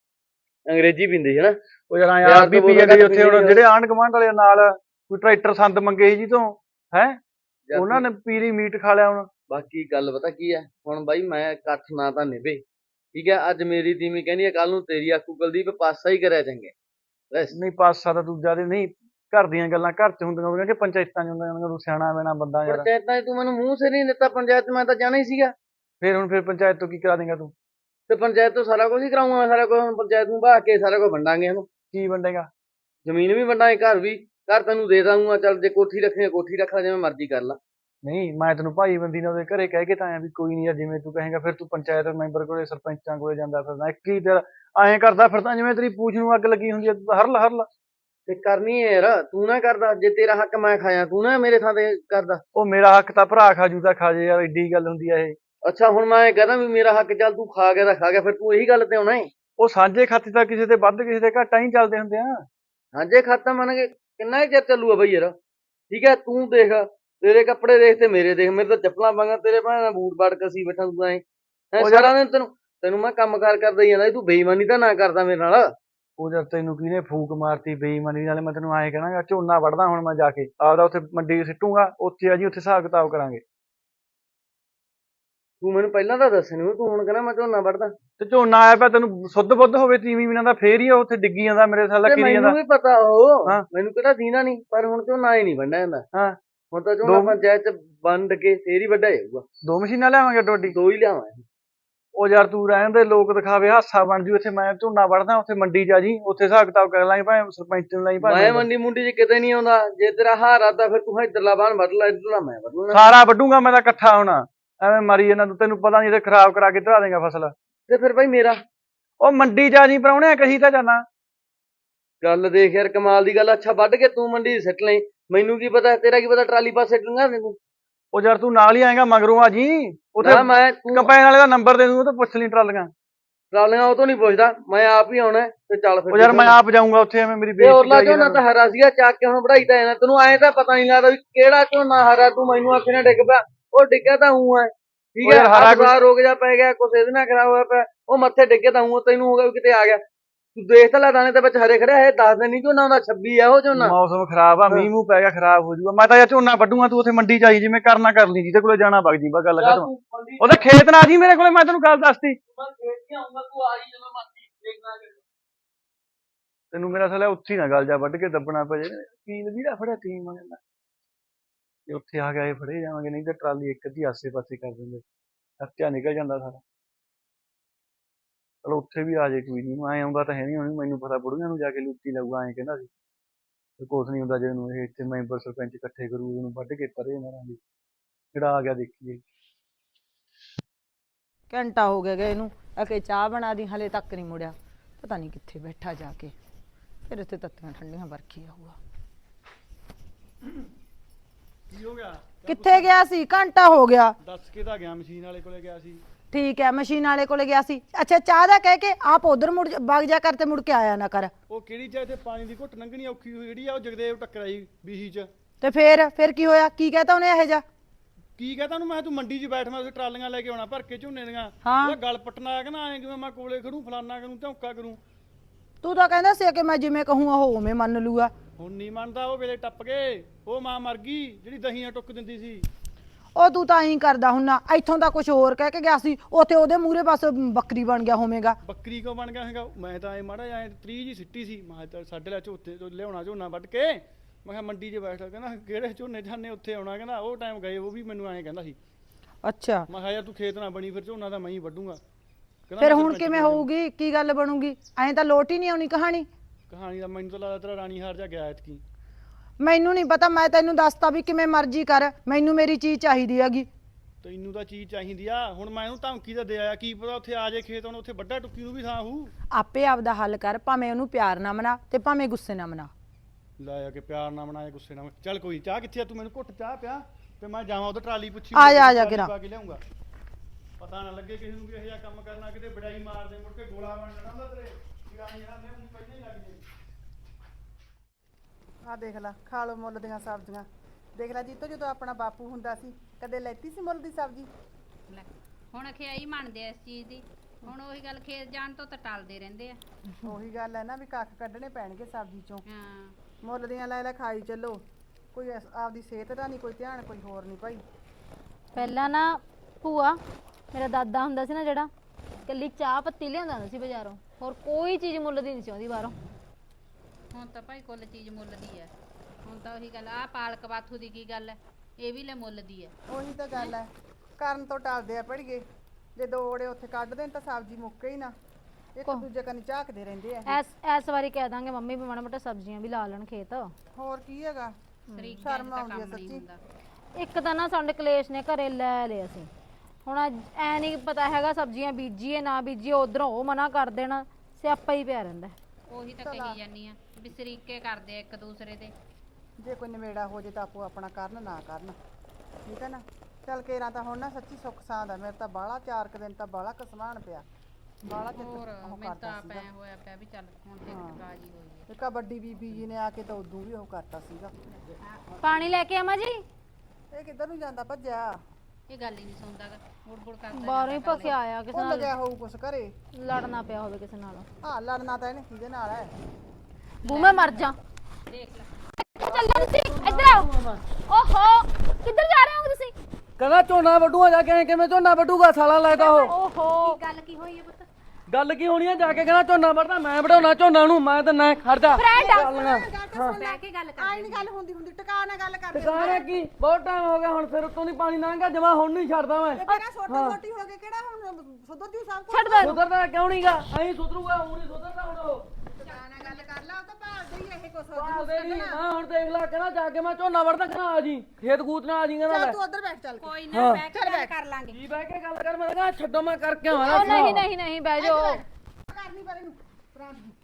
S3: ਅੰਗਰੇਜ਼ੀ ਪੀਂਦੇ ਹੈ ਨਾ।
S2: ਉਹ ਯਾਰ
S3: ਯਾਰ
S2: ਆਪ ਵੀ
S3: ਤਾਂ
S2: ਪੀ
S3: ਬੋਲਦਾ
S2: ਜਾਂਦੇ
S3: ਘੱਟ
S2: ਉੱਥੇ। ਹੁਣ
S3: ਪੀਂਦੇ
S2: ਜਿਹੜੇ ਆਂਢ ਗੁਆਂਢ ਵਾਲੇ ਨਾਲ ਕੋਈ ਟਰੈਕਟਰ ਸੰਦ ਮੰਗੇ ਸੀ ਜੀ ਤੋਂ, ਹੈ
S3: ਯਾਰ
S2: ਉਹਨਾਂ ਨੇ ਪੀਰੀ ਮੀਟ ਖਾ ਲਿਆ ਹੁਣ।
S3: ਬਾਕੀ ਗੱਲ ਪਤਾ ਕੀ ਹੈ ਹੁਣ ਬਾਈ, ਮੈਂ ਇਕੱਠ ਨਾ ਤਾਂ ਨਿਭੇ, ਠੀਕ ਹੈ। ਅੱਜ ਮੇਰੀ ਤੀਵੀਂ ਕਹਿੰਦੀ ਹੈ, ਕੱਲ ਨੂੰ ਤੇਰੀ ਆਖੂ ਕੁਲਦੀਪ ਪਾਸਾ ਹੀ ਕਰਿਆ ਚੰਗੇ। ਬਸ
S2: ਨਹੀਂ ਪਾਸਾ ਤਾਂ ਦੂਜਾ ਦੇ ਨਹੀਂ, ਘਰ ਦੀਆਂ ਗੱਲਾਂ ਘਰ ਚ ਹੁੰਦੀਆਂ ਕਿ ਪੰਚਾਇਤਾਂ ਚ ਹੁੰਦੀਆਂ। ਤੂੰ ਸਿਆਣਾ ਬੈਣਾ ਬੰਦਾ ਯਾਰ।
S3: ਪੰਚਾਇਤਾਂ 'ਚ ਤੂੰ ਮੈਨੂੰ ਮੂੰਹ ਸਿਰ ਨਹੀਂ ਦਿੱਤਾ, ਪੰਚਾਇਤ 'ਚ ਮੈਂ ਤਾਂ ਜਾਣਾ ਹੀ ਸੀਗਾ।
S2: ਫਿਰ ਪੰਚਾਇਤ ਤੋਂ ਕੀ ਕਰਾ ਦੇਂਗਾ ਤੂੰ?
S3: ਤੇ ਪੰਚਾਇਤ ਤੋਂ ਸਾਰਾ ਕੁਝ ਹੀ ਕਰਾਉਂਗਾ, ਸਾਰਾ ਕੁਝ ਹੁਣ ਪੰਚਾਇਤ ਨੂੰ ਬਹਾ ਕੇ ਸਾਰਾ ਕੁਝ ਵੰਡਾਂਗੇ ਇਹਨੂੰ।
S2: ਕੀ ਵੰਡੇਗਾ?
S3: ਜ਼ਮੀਨ ਵੀ ਵੰਡਾਂਗੇ, ਘਰ ਵੀ। ਘਰ ਤੈਨੂੰ ਦੇ ਦਾਂਗਾ, ਚੱਲ ਜੇ ਕੋਠੀ ਰੱਖਣੀ ਕੋਠੀ ਰੱਖ ਲੈ, ਜਿਵੇਂ ਮਰਜ਼ੀ ਕਰ ਲਾ।
S2: ਨਹੀਂ ਮੈਂ ਤੈਨੂੰ ਭਾਈ ਬੰਦੀ ਨਾਲ ਉਹਦੇ ਘਰੇ ਕਹਿ ਕੇ ਤਾਂ ਆਇਆ ਵੀ ਕੋਈ ਨਹੀਂ ਯਾਰ, ਜਿਵੇਂ ਤੂੰ ਕਹੇਗਾ। ਫਿਰ ਤੂੰ ਪੰਚਾਇਤ ਮੈਂਬਰ ਕੋਲੇ ਸਰਪੰਚਾਂ ਕੋਲੇ ਜਾਂਦਾ ਫਿਰਦਾ, ਇੱਕ ਹੀ ਤੇਰਾ ਐਂ ਕਰਦਾ ਫਿਰਦਾ ਜਿਵੇਂ ਤੇਰੀ ਪੂਛ ਨੂੰ ਅੱਗ ਲੱਗੀ ਹੁੰਦੀ ਹੈ। ਤੂੰ ਤਾਂ ਹਰਲ ਹਰਲ।
S3: ਤੇ ਕਰਨੀ ਹੈ ਯਾਰ, ਤੂੰ ਨਾ ਕਰਦਾ। ਜੇ ਤੇਰਾ ਹੱਕ ਮੈਂ ਖਾਇਆ, ਤੂੰ ਨਾ ਮੇਰੇ ਥਾਂ ਤੇ ਕਰਦਾ।
S2: ਉਹ ਮੇਰਾ ਹੱਕ ਤਾਂ ਭਰਾ ਖਾ ਜੂ ਤਾਂ ਖਾ ਜੇ ਯਾਰ, ਏਡੀ ਗੱਲ ਹੁੰਦੀ ਆ ਇਹ?
S3: ਅੱਛਾ ਹੁਣ ਮੈਂ ਕਹਦਾ ਵੀ ਮੇਰਾ ਹੱਕ, ਚੱਲ ਤੂੰ ਖਾ ਗਿਆ ਤਾਂ ਖਾ ਗਿਆ, ਫਿਰ ਤੂੰ ਇਹੀ ਗੱਲ ਤੇ ਆਉਣਾ ਹੈ।
S2: ਉਹ ਸਾਂਝੇ ਖਾਤੇ ਤਾਂ ਕਿਸੇ ਦੇ ਵੱਧ ਕਿਸੇ ਦੇ ਘੱਟ ਹੀ ਚੱਲਦੇ ਹੁੰਦੇ ਆ।
S3: ਸਾਂਝੇ ਖਾਤਾ ਮੰਨ ਕੇ ਕਿੰਨਾ ਚਿਰ ਚੱਲੂਗਾ ਬਈ ਯਾਰ, ਠੀਕ ਹੈ। ਤੂੰ ਦੇਖ, ਤੇਰੇ ਕੱਪੜੇ ਦੇਖ ਤੇ ਮੇਰੇ ਦੇਖ, ਮੇਰੇ ਤਾਂ ਚੱਪਲਾਂ ਪਾਂਗਾ, ਤੇਰੇ ਭਾਵੇਂ ਬੂਟ ਬਾੜ ਕਸੀ ਬੈਠਾ ਤੂੰ ਐ
S2: ਉਹ
S3: ਸਾਰਾ ਦਿਨ। ਤੈਨੂੰ ਮੈਂ ਕੰਮ ਕਾਰ ਕਰਦਾ ਹੀ ਜਾਂਦਾ, ਤੂੰ ਬੇਈਮਾਨੀ ਤਾਂ ਨਾ ਕਰਦਾ ਮੇਰੇ ਨਾਲ।
S2: ਉਹ ਜਦ ਤੈਨੂੰ ਕਿਹਨੇ ਫੂਕ ਮਾਰਤੀ ਬੇਈਮਾਨੀ ਨਾਲੇ? ਮੈਂ ਤੈਨੂੰ ਐਂ ਕਹਿਣਾਗਾ, ਝੋਨਾ ਵੱਢਦਾ ਹੁਣ ਮੈਂ ਜਾ ਕੇ ਆਪਦਾ, ਉੱਥੇ ਮੰਡੀ ਸਿੱਟੂਗਾ, ਉੱਥੇ ਆ ਜੀ, ਉੱਥੇ ਹਿਸਾਬ ਕਿਤਾਬ ਕਰਾਂਗੇ।
S3: ਤੂੰ ਮੈਨੂੰ ਪਹਿਲਾਂ ਤਾਂ ਦੱਸ ਨੀ, ਤੂੰ ਹੁਣ ਕਹਿੰਦਾ ਮੈਂ ਝੋਨਾ ਵੱਢਦਾ।
S2: ਤੇ ਝੋਨਾ ਆਇਆ ਪਿਆ, ਤੈਨੂੰ ਸੁੱਧ ਬੁੱਧ ਹੋਵੇ ਤੀਵੀਂ ਬਿਨਾਂ ਦਾ ਫੇਰ ਹੀ ਉਹ ਉੱਥੇ ਡਿੱਗੀ ਜਾਂਦਾ ਮੇਰੇ ਸਾਲਾ
S3: ਤੇ
S2: ਕਿਰੀ
S3: ਮੈਨੂੰ
S2: ਜਾਂਦਾ।
S3: ਵੀ ਪਤਾ ਉਹ,
S2: ਹਾਂ।
S3: ਮੈਨੂੰ ਕਿਹੜਾ ਦੀਨਾ ਨਹੀਂ, ਪਰ ਹੁਣ ਝੋਨਾ ਹੀ ਨਹੀਂ ਵੱਢਿਆ ਜਾਂਦਾ।
S2: ਹਾਂ
S3: ਹੁਣ ਤਾਂ ਝੋਨਾ ਪੰਚਾਇਤ ਚ ਵੰਡ ਕੇ ਫੇਰ ਹੀ ਵੱਢਿਆ ਜਾਊਗਾ।
S2: 2 ਮਸ਼ੀਨਾਂ ਲਿਆਵਾਂਗੇ ਡੋਡੀ।
S3: 2 ਹੀ ਲਿਆਵਾਂ।
S2: ਉਹ ਯਾਰ ਤੂੰ ਰਹਿਣ ਦੇ, ਲੋਕ ਦਿਖਾਵੇ ਹਾਸਾ ਬਣ ਜੂ। ਇੱਥੇ ਮੈਂ ਝੋਨਾ ਵੱਢਦਾ, ਉੱਥੇ ਮੰਡੀ ਜਾ ਜੀ, ਉੱਥੇ ਹਿਸਾਬ ਕਿਤਾਬ ਕਰ ਲਾਂਗੇ, ਭਾਵੇਂ ਸਰਪੰਚ ਨੂੰ ਲਾਈ
S3: ਮੈਂ
S2: ਭਾਵੇਂ
S3: ਮੰਡੀ ਮੁੰਡੀ ਚ ਕਿਤੇ ਨਹੀਂ ਆਉਂਦਾ। ਜੇ ਤੇਰਾ ਹਾਰ ਆਦਾ ਫਿਰ ਤੂੰ ਇੱਧਰਲਾ ਬਾਹਨ ਵੱਢ ਲੈ, ਇੱਧਰਲਾ ਮੈਂ ਵੱਢ ਲੈਣਾ।
S2: ਸਾਰਾ ਵੱਢੂਗਾ ਮੈਂ ਤਾਂ ਇਕੱਠਾ ਹੋਣਾ, ਐਵੇਂ ਮਰੀ ਇਹਨਾਂ ਨੂੰ। ਤੈਨੂੰ ਪਤਾ ਨਹੀਂ ਤੇ ਖਰਾਬ ਕਰਾ ਕੇ ਧਰਾ ਦੇਗਾ ਫਸਲ।
S3: ਤੇ ਫਿਰ ਭਾਈ ਮੇਰਾ
S2: ਉਹ ਮੰਡੀ ਜਾ ਜੀ ਪ੍ਰਾਹੁਣਿਆ, ਕਹੀ ਤਾਂ ਜਾਣਾ।
S3: ਗੱਲ ਦੇਖ ਯਾਰ, ਕਮਾਲ ਦੀ ਗੱਲ। ਅੱਛਾ ਵੱਢ ਕੇ ਤੂੰ ਮੰਡੀ ਸਿੱਟ ਲੈ, ਮੈਨੂੰ ਕੀ ਪਤਾ, ਤੇਰਾ ਕੀ ਪਤਾ ਟਰਾਲੀ ਪਾਸ ਸਿੱਟ ਲੂੰਗਾ ਤੈਨੂੰ।
S2: ਉਹ ਯਾਰ ਤੂੰ ਨਾਲ ਹੀ ਆਏਗਾ, ਮਗਰੋਂ ਆ ਜੀ। ਉੱਥੇ
S3: ਨਾ ਮੈਂ ਤੂੰ
S2: ਕੰਪੈਨ ਵਾਲੇ ਦਾ ਨੰਬਰ ਦੇ ਦੂੰਗਾ, ਉਹ ਤੋਂ ਪੁੱਛ ਲਈ ਟਰਾਲੀਆਂ।
S3: ਟਰਾਲੀਆਂ ਉਹ ਤੋਂ ਨਹੀਂ ਪੁੱਛਦਾ, ਮੈਂ ਆਪ ਹੀ ਆਉਣਾ ਤੇ ਚੱਲ ਫਿਰ।
S2: ਉਹ ਯਾਰ ਮੈਂ ਆਪ ਜਾਊਂਗਾ ਉੱਥੇ, ਐਵੇਂ ਮੇਰੀ
S3: ਤੇ
S2: ਬੇਇੱਜ਼ਤੀ
S3: ਔਰਲਾ
S2: ਕਰਾਈ
S3: ਝੋਨਾ ਤਾਂ ਹਰਾ ਸੀਗਾ, ਚੱਕ ਕੇ ਹੁਣ ਵਢਾਈ ਤਾਂ ਜਾਣਾ। ਤੈਨੂੰ ਐਂ ਤਾਂ ਪਤਾ ਨਹੀਂ ਲੱਗਦਾ ਵੀ ਕਿਹੜਾ ਝੋਨਾ ਹਰਾ। ਤੂੰ ਮੈਨੂੰ ਆਖੇ ਨਾ ਡਿੱਗ ਪਿਆ, ਉਹ ਡਿੱਗਿਆ ਤਾਂ ਹੂੰ ਹੈ, ਠੀਕ
S2: ਉਹ
S3: ਹੈ।
S2: ਯਾਰ ਹਰਾ
S3: ਹਰਾ ਰੋਗ ਜਾ ਪੈ ਗਿਆ, ਕੁਛ ਇਹਦੇ ਨਾਲ ਖਰਾਬ ਹੋਇਆ ਪਿਆ, ਉਹ ਮੱਥੇ ਡਿੱਗੇ ਤਾਂ ਹੂੰ, ਤੈਨੂੰ ਹੋ ਗਿਆ ਵੀ ਕਿਤੇ ਆ ਗਿਆ। ਤੂੰ ਦੇਖ ਤਾਂ ਲੈ ਦਾਣੇ ਦੇ ਵਿੱਚ ਹਰੇ ਖੜਿਆ, ਇਹ 10 ਦਿਨ ਨਹੀਂ ਝੋਨਾ ਹੁੰਦਾ, 26 ਆ ਉਹ ਝੋਨਾ।
S2: ਮੌਸਮ ਖਰਾਬ ਆ, ਮੀਂਹ ਮੂੰਹ ਪੈ ਗਿਆ, ਖਰਾਬ ਹੋ ਜੂਗਾ। ਮੈਂ ਤਾਂ ਯਾਰ ਝੋਨਾ ਵੱਢੂਗਾ, ਤੂੰ ਉੱਥੇ ਮੰਡੀ ਜਾਈ, ਜਿਵੇਂ ਕਰਨਾ ਕਰ ਲਈ, ਜਿਹਦੇ ਕੋਲੇ ਜਾਣਾ ਵਗ ਜੀ, ਬਸ ਗੱਲ ਖਤਮ। ਉਹਦੇ ਖੇਤ ਨਾ ਜੀ ਮੇਰੇ ਕੋਲੇ, ਮੈਂ ਤੈਨੂੰ ਗੱਲ ਦੱਸਤੀ। ਤੈਨੂੰ ਮੇਰਾ ਸਾਲਿਆ ਉੱਥੇ ਹੀ ਨਾ ਗੱਲ ਜਾ ਵੱਢ ਕੇ ਦੱਬਣਾ ਪੈ ਜੇ। ਕੀ ਵੀਰਾ ਫੜਿਆ ਤੀ ਮੰਗਦਾ, ਜੇ ਉੱਥੇ ਆ ਗਿਆ ਇਹ ਫੜੇ ਜਾਵਾਂਗੇ, ਨਹੀਂ ਤਾਂ ਟਰਾਲੀ ਇੱਕ ਅੱਧੀ ਆਸੇ ਪਾਸੇ ਕਰ ਦਿੰਦੇ, ਖਰਚਾ ਨਿਕਲ ਜਾਂਦਾ ਸਾਰਾ। ਚਲੋ ਉੱਥੇ ਵੀ ਆ ਜੇ ਕੋਈ ਨਹੀਂ, ਐਂ ਆਉਂਦਾ ਤਾਂ ਹੈ ਨਹੀਂ। ਹੁਣ ਮੈਨੂੰ ਪਤਾ ਬੁੜੀਆਂ ਨੂੰ ਜਾ ਕੇ ਲੁੱਟੀ ਲਊਗਾ, ਐਂ ਕਹਿੰਦਾ ਸੀ। ਕੁਛ ਨਹੀਂ ਹੁੰਦਾ, ਜੇ ਉਹਨੂੰ ਇਹ ਇੱਥੇ ਮੈਂਬਰ ਸਰਪੰਚ ਇਕੱਠੇ ਕਰੂ, ਉਹਨੂੰ ਵੱਢ ਕੇ ਪਰੇ ਮਾਰਾਂਗੇ। ਜਿਹੜਾ ਆ ਗਿਆ ਦੇਖੀਏ।
S1: ਘੰਟਾ ਹੋ ਗਿਆ ਇਹਨੂੰ ਅਕੇ ਚਾਹ ਬਣਾ ਦੀ, ਹਲੇ ਤੱਕ ਨਹੀਂ ਮੁੜਿਆ। ਪਤਾ ਨਹੀਂ ਕਿੱਥੇ ਬੈਠਾ ਜਾ ਕੇ। ਫਿਰ ਇੱਥੇ ਤੱਤੀਆਂ ਠੰਡੀਆਂ ਵਰਖੀ ਆਊਗਾ।
S2: ਕੀ ਹੋ ਗਿਆ?
S1: ਕਿੱਥੇ ਗਿਆ ਸੀ? ਘੰਟਾ ਹੋ ਗਿਆ।
S2: ਦੱਸ ਕੇ ਤਾਂ ਗਿਆ, ਮਸ਼ੀਨ ਵਾਲੇ ਕੋਲੇ ਗਿਆ ਸੀ।
S1: ਠੀਕ ਹੈ, ਮਸ਼ੀਨ ਵਾਲੇ ਕੋਲੇ ਗਿਆ ਸੀ। ਅੱਛਾ ਚਾਹ ਦਾ ਕਹਿ ਕੇ ਆਪ ਉਧਰ ਮੁੜ ਵਗ ਜਾ ਕਰ ਤੇ ਮੁੜ ਕੇ ਆਇਆ ਨਾ ਕਰ।
S2: ਉਹ ਕਿਹੜੀ ਚਾਹ, ਇੱਥੇ ਪਾਣੀ ਦੀ ਘੁੱਟ ਲੰਘਣੀ ਔਖੀ ਹੋਈ ਜਿਹੜੀ ਆ, ਉਹ ਜਗਦੇਵ ਟੱਕਰਾਈ ਬੀਹੀ ਚ।
S1: ਤੇ ਫਿਰ ਕੀ ਹੋਇਆ? ਕੀ ਕਹਤਾ ਉਹਨੇ ਇਹ ਜਾ?
S2: ਕੀ ਕਹਤਾ ਉਹਨੂੰ, ਮੈਂ ਕਿਹਾ ਤੂੰ ਮੰਡੀ 'ਚ ਬੈਠ, ਮੈਂ ਉੱਥੇ ਟਰਾਲੀਆਂ ਲੈ ਕੇ ਆਉਣਾ ਭਰ ਕੇ ਝੋਨੇ ਦੀਆਂ।
S1: ਹਾਂ।
S2: ਉਹਦਾ ਗਲ ਪੱਟਣਾ ਆਇਆ, ਕਹਿੰਦਾ ਐਂ ਕਿਵੇਂ ਮੈਂ ਕੋਲੇ ਖੜੂੰ, ਫਲਾਨਾ ਕਰੂੰ, ਧੌਂਕਾ ਕਰੂੰ।
S1: ਤੂੰ ਤਾਂ ਕਹਿੰਦਾ ਸੀ ਕਿ ਮੈਂ ਜਿਵੇਂ ਕਹੂੰ ਉਹ ਉਵੇਂ ਮੰਨ ਲੂਗਾ।
S2: ਹੁਣ ਨਹੀਂ ਮੰਨਦਾ, ਉਹ ਵੇਲੇ ਟੱਪ ਗਏ। ਉਹ ਮਾਂ ਮਰ ਗਈ ਜਿਹੜੀ ਦਹੀਂਆਂ ਟੁੱਕ ਦਿੰਦੀ ਸੀ।
S1: ਉਹ ਤੂੰ ਤਾਂ ਐਂ ਕਰਦਾ ਹੁੰਨਾ, ਇੱਥੋਂ ਤਾਂ ਕੁਝ ਹੋਰ ਕਹਿ ਕੇ ਗਿਆ ਸੀ, ਉੱਥੇ ਉਹਦੇ ਮੂਹਰੇ ਬਸ ਬੱਕਰੀ ਬਣ ਗਿਆ ਹੋਵੇਗਾ।
S2: ਬੱਕਰੀ ਕਿਉਂ ਬਣ ਗਿਆ ਹੈਗਾ? ਮੈਂ ਤਾਂ ਐ ਮਾੜਾ ਐ 30 ਜੀ ਸਿੱਟੀ ਸੀ, ਮੈਂ ਤਾਂ ਸਾਡੇ ਲੈ ਝੋਤੇ ਤੋਂ ਲਿਆਉਣਾ ਝੋਨਾ ਵੱਢ ਕੇ, ਮੈਂ ਕਿਹਾ ਮੰਡੀ 'ਚ ਬੈਠਾ, ਕਹਿੰਦਾ ਕਿਹੜੇ ਝੋਨੇ ਜਾਨੇ ਉੱਥੇ ਆਉਣਾ, ਕਹਿੰਦਾ ਉਹ ਟਾਈਮ ਗਏ। ਉਹ ਵੀ ਮੈਨੂੰ ਐਂ ਕਹਿੰਦਾ ਸੀ।
S1: ਅੱਛਾ,
S2: ਮੈਂ ਕਿਹਾ ਯਾਰ ਤੂੰ ਖੇਤ ਨਾ ਬਣੀ, ਫਿਰ ਝੋਨਾ ਤਾਂ ਮੈਂ ਹੀ ਵੱਢੂਗਾ।
S1: ਫਿਰ ਹੁਣ ਕਿਵੇਂ ਹੋਊਗੀ, ਕੀ ਗੱਲ ਬਣੂਗੀ? ਐਂ ਤਾਂ ਲੋਟ ਹੀ ਨਹੀਂ ਆਉਣੀ ਕਹਾਣੀ।
S2: ਕਹਾਣੀ ਦਾ ਮੈਨੂੰ ਤਾਂ ਲੱਗਦਾ ਤੇਰਾ ਰਾਣੀ ਹਾਰ ਜਾ ਗਿਆ ਐਤਕੀ।
S1: ਮੈਨੂੰ ਨਹੀਂ ਪਤਾ, ਮੈਂ ਤੈਨੂੰ ਦੱਸਤਾ ਵੀ ਕਿਵੇਂ ਮਰਜ਼ੀ ਕਰ, ਮੈਨੂੰ ਮੇਰੀ ਚੀਜ਼ ਚਾਹੀਦੀ ਹੈਗੀ।
S2: ਤੈਨੂੰ ਤਾਂ ਚੀਜ਼ ਚਾਹੀਦੀ ਆ। ਹੁਣ ਮੈਂ ਇਹਨੂੰ ਧਮਕੀ ਤਾਂ ਦੇ ਆਇਆ, ਕੀ ਪਤਾ ਉੱਥੇ ਆ ਜੇ ਖੇਤ, ਹੁਣ ਉੱਥੇ ਵੱਡਾ ਟੁੱਕੀ ਨੂੰ ਵੀ ਥਾਂ ਹੋਊ।
S1: ਆਪੇ ਆਪਦਾ ਹੱਲ ਕਰ, ਭਾਵੇਂ ਉਹਨੂੰ ਪਿਆਰ ਨਾ ਮਨਾ ਤੇ ਭਾਵੇਂ ਗੁੱਸੇ ਨਾ ਮਨਾ।
S2: ਲਾਇਆ ਕਿ ਪਿਆਰ ਨਾ ਬਣਾਏ, ਗੁੱਸੇ ਨਾਲ। ਚੱਲ ਕੋਈ ਚਾਹ ਕਿੱਥੇ ਆ, ਤੂੰ ਮੈਨੂੰ ਘੁੱਟ ਚਾਹ ਪਿਆ ਤੇ ਮੈਂ ਜਾਵਾਂ ਉਧਰ ਟਰਾਲੀ ਪੁੱਛੀ
S1: ਆ ਜਾ
S2: ਟਰਾਲੀ
S1: ਕਿਰਾ।
S2: ਪਾ ਕੇ ਲਿਆਉਂਗਾ। ਪਤਾ ਨਾ ਲੱਗੇ ਕਿਸੇ ਨੂੰ ਵੀ ਇਹ ਜਿਹਾ ਕੰਮ ਕਰਨਾ, ਕਿਤੇ ਬੜਾਈ ਮਾਰ ਦੇ, ਮੁੜ ਕੇ ਗੋਲਾ ਬਣ ਜਾਣਾ ਹੁੰਦਾ ਤੇਰੇ ਰਾਣੀਆਂ ਨੇ, ਹੁਣ ਪਹਿਲਾਂ ਹੀ ਲੱਗ ਜੇ।
S4: ਆ ਦੇਖ ਲੈ, ਖਾ ਲੋ ਮੁੱਲ ਦੀਆਂ ਸਬਜ਼ੀਆਂ। ਦੇਖ ਲੈ ਜੀਤੋ, ਜਦੋਂ ਆਪਣਾ ਬਾਪੂ ਹੁੰਦਾ ਸੀ ਕਦੇ ਲੈਤੀ ਸੀ ਮੁੱਲ ਦੀ ਸਬਜ਼ੀ?
S5: ਲੈ, ਹੁਣ ਖਿਆਈ ਮੰਨਦੇ ਆ ਇਸ ਚੀਜ਼ ਦੀ। ਹੁਣ ਉਹੀ ਗੱਲ, ਖੇਤ ਜਾਣ ਤੋਂ ਤਾਂ ਟਲਦੇ ਰਹਿੰਦੇ ਆ।
S4: ਉਹੀ ਗੱਲ ਹੈ ਨਾ ਵੀ ਕੱਖ ਕੱਢਣੇ ਪੈਣਗੇ ਸਬਜ਼ੀ ਚੋਂ।
S5: ਹਾਂ,
S4: ਮੁੱਲ ਦੀਆਂ ਲੈ ਲੈ ਖਾਈ ਚੱਲੋ, ਕੋਈ ਆਪਦੀ ਸਿਹਤ ਦਾ ਨਹੀਂ ਕੋਈ ਧਿਆਨ, ਕੋਈ ਹੋਰ ਨਹੀਂ ਭਾਈ।
S6: ਪਹਿਲਾਂ ਨਾ ਭੂਆ, ਮੇਰਾ ਦਾਦਾ ਹੁੰਦਾ ਸੀ ਨਾ ਜਿਹੜਾ, ਕੱਲੀ ਚਾਹ ਪੱਤੀ ਲਿਆਉਂਦਾ ਹੁੰਦਾ ਸੀ ਬਾਜ਼ਾਰੋਂ, ਹੋਰ ਕੋਈ ਚੀਜ਼ ਮੁੱਲ ਦੀ ਨਹੀਂ ਸੀ ਆਉਂਦੀ ਬਾਹਰੋਂ।
S5: ਹੁਣ ਤਾਂ ਭਾਈ ਕੁੱਲ ਚੀਜ਼ ਮੁੱਲ ਦੀ ਆ। ਹੁਣ ਤਾਂ ਉਹੀ ਗੱਲ ਆ, ਪਾਲਕ ਬਾਥੂ ਦੀ ਕੀ ਗੱਲ ਹੈ, ਇਹ ਵੀ ਲੈ ਮੁੱਲ ਦੀ ਆ।
S4: ਉਹੀ ਤਾਂ ਗੱਲ ਹੈ, ਕਰਨ ਤੋਂ ਟਲਦੇ ਆ ਪੜੀਏ। ਜੇ ਦੋ ਓੜੇ ਉੱਥੇ ਕੱਢ ਦੇਣ ਤਾਂ ਸਬਜ਼ੀ ਮੁੱਕੇ ਹੀ ਨਾ, ਇੱਕ ਦੂਜੇ ਕੰਨੀ ਝਾਕਦੇ ਰਹਿੰਦੇ ਆ।
S6: ਐਸ ਵਾਰੀ ਕਹਿ ਦਾਂਗੇ ਮੰਮੀ ਵੀ ਮਾੜਾ ਮੋਟਾ ਸਬਜ਼ੀਆਂ ਵੀ ਲਾ ਲੈਣ ਖੇਤ।
S4: ਹੋਰ ਕੀ ਹੈਗਾ,
S5: ਸਰੀਕੇ
S4: ਸ਼ਰਮ
S5: ਦਾ
S4: ਆਉਂਦੀ ਆ
S5: ਕੰਮ ਨਹੀਂ
S4: ਸੱਚੀ।
S5: ਹੁੰਦਾ।
S6: ਇੱਕ ਤਾਂ ਨਾ ਸਾਡੇ ਕਲੇਸ਼ ਨੇ ਘਰੇ ਲੈ ਲਿਆ ਸੀ, ਹੁਣ ਐ ਨਹੀਂ ਪਤਾ ਹੈਗਾ ਸਬਜ਼ੀਆਂ ਬੀਜੀਏ ਨਾ ਬੀਜੀਏ, ਉਧਰੋਂ ਉਹ ਮਨਾ ਕਰ ਦੇਣਾ, ਸਿਆਪਾ ਹੀ ਪਿਆ ਰਹਿੰਦਾ।
S5: ਉਹੀ ਤਾਂ ਕਹੀ ਜਾਨੀ ਆ ਵੀ ਸਰੀਕੇ ਕਰਦੇ ਆ ਇੱਕ ਦੂਸਰੇ ਦੇ।
S4: ਜੇ ਕੋਈ ਨਿਬੇੜਾ ਹੋ ਜੇ ਤਾਂ ਆਪੋ ਆਪਣਾ ਕਰਨ ਨਾ ਕਰਨ, ਠੀਕ ਹੈ ਨਾ। ਚੱਲ ਕੇਰਾਂ ਤਾਂ ਹੁਣ ਨਾ ਸੱਚੀ ਸੁੱਖ ਸਾਂਦ ਆ, ਮੇਰੇ ਤਾਂ ਬਾਹਲਾ 4 ਦਿਨ ਤਾਂ ਬਾਹਲਾ ਕਸਮਾਨ ਪਿਆ, ਬਾਹਲਾ ਚਿੱਤ
S5: ਹੋਰ
S4: ਉਹ
S5: ਮੈਂ
S4: ਕਰਦਾ
S5: ਤਾਂ
S4: ਸੀਗਾ।
S5: ਪੈ ਹੋਇਆ ਪਿਆ ਵੀ ਚੱਲ ਹੁਣ ਤੇ ਬਾਜੀ ਹੋਈ ਹੈ।
S4: ਇੱਕ ਆਹ ਵੱਡੀ ਬੀਬੀ ਜੀ ਨੇ ਆ ਕੇ ਤਾਂ ਉਦੋਂ ਵੀ ਉਹ ਕਰਤਾ ਸੀਗਾ।
S6: ਪਾਣੀ ਲੈ ਕੇ ਆਵਾਂ ਜੀ?
S4: ਇਹ ਕਿੱਧਰ ਨੂੰ ਜਾਂਦਾ ਭੱਜਿਆ?
S5: ਇਹ ਗੱਲ ਹੀ ਨਹੀਂ ਸੁਣਦਾਗਾ, ਬੁੜਬੁੜ ਕਰਦਾ
S6: ਬਾਹਰੋਂ ਹੀ ਭਖਿਆ ਆਇਆ ਕਿਸੇ
S4: ਉਹ
S6: ਨਾਲ,
S4: ਲੱਗਿਆ ਹੋਊ ਕੁਛ ਘਰੇ।
S6: ਲੜਨਾ ਪਿਆ ਹੋਵੇ ਕਿਸੇ ਨਾਲ।
S4: ਹਾਂ ਲੜਨਾ ਤਾਂ ਇਹਨੇ ਕਿਹਦੇ ਨਾਲ ਹੈ?
S6: ਬੂ ਮੈਂ ਮਰ ਜਾ।
S5: ਦੇਖ ਲੈ।
S6: ਚੱਲੋ ਤੁਸੀਂ ਇੱਧਰ ਆਓ। ਓਹੋ, ਕਿੱਧਰ ਜਾ ਰਹੇ ਹੋ ਤੁਸੀਂ?
S3: ਕਹਿੰਦਾ ਝੋਨਾ ਵੱਢੂਗਾ ਜਾ ਕੇ। ਕਿਵੇਂ ਝੋਨਾ ਵੱਢੂਗਾ, ਸਾਲਾ ਲੈਦਾ ਉਹ।
S6: ਓਹੋ,
S5: ਗੱਲ ਕੀ ਹੋਈ ਹੈ ਪੁੱਤ?
S3: ਗੱਲ ਕੀ ਹੋਣੀ ਆ, ਜਾ ਕੇ ਕਹਿੰਦਾ ਝੋਨਾ ਵੱਢਦਾ, ਮੈਂ ਵਢਾਉਣਾ ਝੋਨਾ ਨੂੰ, ਮੈਂ ਤਾਂ ਨਾ ਖੜਦਾ।
S5: ਬਹਿ ਕੇ ਗੱਲ ਕਰ।
S4: ਆਈ ਨਹੀਂ ਗੱਲ ਹੁੰਦੀ ਟਿਕਾ ਨਾਲ ਗੱਲ ਕਰਦੇ।
S3: ਟਿਕਾਣਾ ਕੀ, ਬਹੁਤ ਟਾਈਮ ਹੋ ਗਿਆ, ਹੁਣ ਫਿਰ ਉੱਤੋਂ ਦੀ ਪਾਣੀ ਲੰਘ ਗਿਆ ਜਮਾ, ਹੁਣ ਨਹੀਂ ਛੱਡਦਾ ਮੈਂ।
S4: ਕਿਹੜਾ ਛੋਟੀ ਹੋ ਗਏ, ਕਿਹੜਾ ਹੁਣ ਸੁਧਰ ਜੂ ਸਭ ਕੁਝ।
S6: ਛੱਡ ਦੇ।
S3: ਸੁਧਰਦਾ ਕਿਉਂ ਨਹੀਂਗਾ, ਐਂ ਸੁਧਰੂਗਾ, ਹੁਣ ਨਹੀਂ ਸੁਧਰਦਾ ਹੁਣ ਉਹ।
S4: ਟਿਕਾ ਨਾਲ ਗੱਲ ਕਰ ਲਾ, ਉਹ ਤਾਂ ਭਾਲਦੇ ਹੀ ਇਹ ਕੁਛ।
S3: ਭਾਲਦੇ ਨੀ, ਮੈਂ ਹੁਣ ਦੇਖ ਲੈ, ਕਹਿੰਦਾ ਜਾ ਕੇ ਮੈਂ ਝੋਨਾ ਵੱਢਦਾ, ਕਹਿੰਦਾ ਆ ਜੀ ਖੇਤ ਖੂਤ ਨਾ ਆ ਜੀ, ਕਹਿੰਦਾ
S4: ਚੱਲ
S3: ਲੈ।
S4: ਤੂੰ ਉੱਧਰ ਬੈਠ ਚੱਲ ਕੇ।
S5: ਕੋਈ ਨਾ, ਬਹਿ ਕੇ ਗੱਲ ਕਰ ਲਾਂਗੇ।
S3: ਕੀ ਬਹਿ ਕੇ ਗੱਲ ਕਰ, ਮੈਂ ਕਿਹਾ ਛੱਡੋ ਮੈਂ ਕਰਕੇ ਆਵਾਂ।
S6: ਉਹ ਨਹੀਂ ਨਹੀਂ ਨਹੀਂ, ਬਹਿ ਜਾਓ।
S4: ਕਰਨੀ ਪਰੇ ਨੂੰ ਪ੍ਰਾਂਤ ਦੀ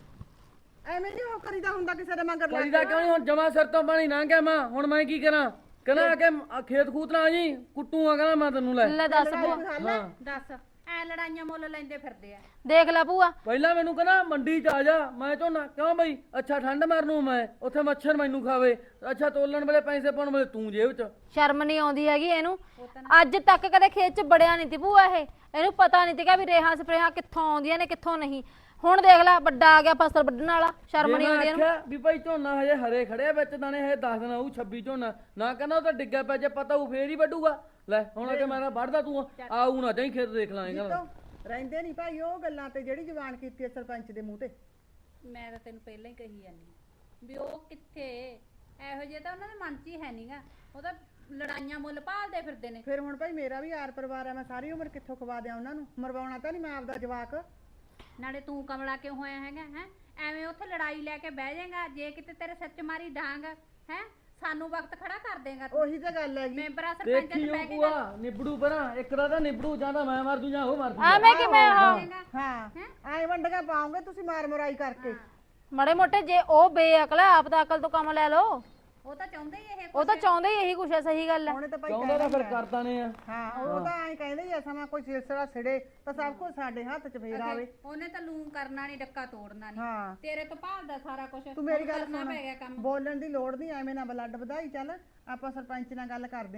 S4: ਐਵੇਂ ਨਹੀਂ ਉਹ ਕਰੀਦਾ ਹੁੰਦਾ ਕਿਸੇ ਦੇ ਮਗਰ ਲੱਗ
S3: ਕਰੀਦਾ ਕਿਉਂ ਨਹੀਂ, ਹੁਣ ਜਮਾ ਸਿਰ ਤੋਂ ਪਾਣੀ ਲੰਘ ਗਿਆ, ਮੈਂ ਹੁਣ ਮੈਂ ਕੀ ਕਰਾਂ? ਕਹਿੰਦਾ ਆ ਕੇ ਖੇਤ ਖੂਤ ਨਾ ਆ ਜੀ, ਕੁੱਟੂ ਆ, ਕਹਿੰਦਾ ਮੈਂ ਤੈਨੂੰ ਲੈ।
S6: ਲੈ ਦੱਸ ਭੂਆ,
S5: ਦੱਸ, ਐ ਲੜਾਈਆਂ ਮੁੱਲ ਲੈਂਦੇ ਫਿਰਦੇ ਆ।
S6: ਦੇਖ ਲੈ ਭੂਆ,
S3: ਪਹਿਲਾਂ ਮੈਨੂੰ ਕਹਿੰਦਾ ਮੰਡੀ ਚ ਆ ਜਾ, ਮੈਂ ਝੋਨਾ ਕਿਉਂ ਬਈ, ਅੱਛਾ ਠੰਡ ਮਾਰਨ ਨੂੰ ਮੈਂ ਉੱਥੇ ਮੱਛਰ ਮੈਨੂੰ ਖਾਵੇ, ਅੱਛਾ ਤੋਲਣ ਵੇਲੇ ਪੈਸੇ ਪਾਉਣ ਵੇਲੇ ਤੂੰ ਜੇਬ ਚ।
S6: ਸ਼ਰਮ ਨਹੀਂ ਆਉਂਦੀ ਹੈਗੀ ਇਹਨੂੰ? ਅੱਜ ਤੱਕ ਕਦੇ ਖੇਤ 'ਚ ਬੜਿਆ ਨਹੀਂ ਤੀ ਭੂਆ ਇਹ, ਇਹਨੂੰ ਪਤਾ ਨਹੀਂ ਤੀਗਾ ਵੀ ਰੇਹਾਂ ਸਪਰੇਹਾਂ ਕਿੱਥੋਂ ਆਉਂਦੀਆਂ ਨੇ ਕਿੱਥੋਂ ਨਹੀਂ। ਹੁਣ ਦੇਖ ਲੈ ਵੱਡਾ ਆ ਗਿਆ ਫਸਲ ਵੱਢਣ ਵਾਲਾ, ਸ਼ਰਮ ਨਹੀਂ ਆਉਂਦੀ ਇਹਨੂੰ?
S3: ਆਖਿਆ ਵੀ ਭਾਈ ਝੋਨਾ ਹਜੇ ਹਰੇ ਖੜਿਆ ਵਿੱਚ ਦਾਣੇ, ਹਜੇ 10 ਦਿਨ ਆਊ 26 ਝੋਨਾ, ਨਾ ਕਹਿੰਦਾ ਉਹ ਤਾਂ ਡਿੱਗਾ ਪਿਆ, ਜੇ ਪਤਾ ਉਹ ਫੇਰ ਹੀ ਵੱਢੂਗਾ। ਲੈ ਹੁਣ ਆ ਕੇ ਮੈਂ ਤਾਂ ਵੱਢਦਾ, ਤੂੰ ਆਊ ਨਾ ਜਾਈ ਖੇਤ ਦੇਖ ਲਾਂਗੇ।
S4: ਰਹਿੰਦੇ ਨਹੀਂ ਭਾਈ ਉਹ ਗੱਲਾਂ ਤੇ ਜਿਹੜੀ ਜ਼ਬਾਨ ਕੀਤੀ ਹੈ ਸਰਪੰਚ ਦੇ ਮੂੰਹ ਤੇ।
S5: ਮੈਂ ਤਾਂ ਤੈਨੂੰ ਪਹਿਲਾਂ ਹੀ ਕਹੀ ਜਾਂਦੀ ਆ ਵੀ ਉਹ ਕਿੱਥੇ, ਇਹੋ ਜਿਹੇ ਤਾਂ ਉਹਨਾਂ ਦੇ ਮਨ 'ਚ ਹੀ ਹੈ ਨਹੀਂਗਾ। ਉਹ ਤਾਂ ਲੜਾਈਆਂ ਮੁੱਲ ਭਾਲਦੇ ਫਿਰਦੇ ਨੇ।
S4: ਫਿਰ ਹੁਣ ਭਾਈ ਮੇਰਾ ਵੀ ਆਰ ਪਰਿਵਾਰ ਹੈ, ਮੈਂ ਸਾਰੀ ਉਮਰ ਕਿੱਥੋਂ ਖਵਾ ਦਿਆਂ ਉਹਨਾਂ ਨੂੰ? ਮਰਵਾਉਣਾ ਤਾਂ ਨਹੀਂ ਮੈਂ ਆਪਦਾ ਜਵਾਕ।
S5: ਨਾਲੇ ਤੂੰ ਕਮਲਾ ਕਿਉਂ ਹੋਇਆ ਹੈਗਾ ਹੈ? ਐਵੇਂ ਉੱਥੇ ਲੜਾਈ ਲੈ ਕੇ ਬਹਿ ਜਾਏਗਾ, ਜੇ ਕਿਤੇ ਤੇਰੇ ਸੱਚ ਮਾਰੀ ਡਾਂਗ ਹੈ, ਸਾਨੂੰ ਵਕਤ ਖੜਾ ਕਰ ਦੇਗਾ ਤੂੰ।
S4: ਉਹੀ ਤਾਂ ਗੱਲ ਹੈਗੀ।
S5: ਮੈਂਬਰਾਂ ਸਰਪੰਚਾਂ
S3: ਦੇਖੀ
S5: ਚ
S3: ਉਹ
S5: ਬਹਿ ਕੇ
S3: ਭੂਆ ਨਿਬੜੂ ਪਰਾਂ, ਇੱਕ ਦਾ ਤਾਂ ਨਿਬੜੂ, ਜਾਂ ਤਾਂ ਮੈਂ ਮਰ ਜੂ ਜਾਂ ਉਹ ਮਰ ਜੂ।
S6: ਐਵੇਂ ਕਿਵੇਂ?
S4: ਹਾਂ ਐਂ ਵੰਡਗਾ ਪਾਉਂਗੇ ਤੁਸੀਂ ਮਾਰ ਮਰਾਈ ਕਰਕੇ।
S6: ਮੜੇ ਮੋਟੇ ਜੇ ਉਹ ਬੇਅਕਲ ਹੈ, ਆਪ ਤਾਂ ਅਕਲ ਤੋਂ ਕੰਮ ਲੈ ਲਓ।
S5: ਉਹ ਤਾਂ ਚਾਹੁੰਦੇ ਹੀ ਇਹ
S6: ਉਹ ਤਾਂ ਚਾਹੁੰਦੇ ਹੀ ਇਹੀ ਕੁਛ ਹੈ, ਸਹੀ ਗੱਲ ਹੈ।
S4: ਉਹਨੇ ਤਾਂ ਭਾਈ
S3: ਚਾਹੁੰਦਾ ਤਾਂ ਫਿਰ ਕਰਦਾ ਨੇ ਆ।
S4: ਹਾਂ ਉਹ ਤਾਂ ਐਂ ਕਹਿੰਦੇ ਹੀ ਆ, ਸਮਾਂ ਕੋਈ ਸਿਲਸਿਲਾ ਛਿੜੇ ਤਾਂ ਸਭ ਕੁਝ ਸਾਡੇ ਹੱਥ 'ਚ ਫੇਰ ਆਵੇ।
S5: ਉਹਨੇ ਤਾਂ ਲੂੰ ਕਰਨਾ ਨਹੀਂ, ਡੱਕਾ ਤੋੜਨਾ ਨਹੀਂ।
S4: ਹਾਂ
S5: ਤੇਰੇ ਤੋਂ ਭਾਲਦਾ ਸਾਰਾ ਕੁਝ।
S4: ਤੂੰ ਮੇਰੀ ਗੱਲ
S5: ਕਰਨਾ
S4: ਸੁਣ,
S5: ਪੈ ਗਿਆ ਕੰਮ।
S4: ਬੋਲਣ ਦੀ ਲੋੜ ਨਹੀਂ, ਐਵੇਂ ਨਾ ਬਲੱਡ ਵਧਾਈ। ਚੱਲ ਆਪਾਂ ਸਰਪੰਚ ਨਾਲ ਗੱਲ ਕਰਦੇ ਆਂ,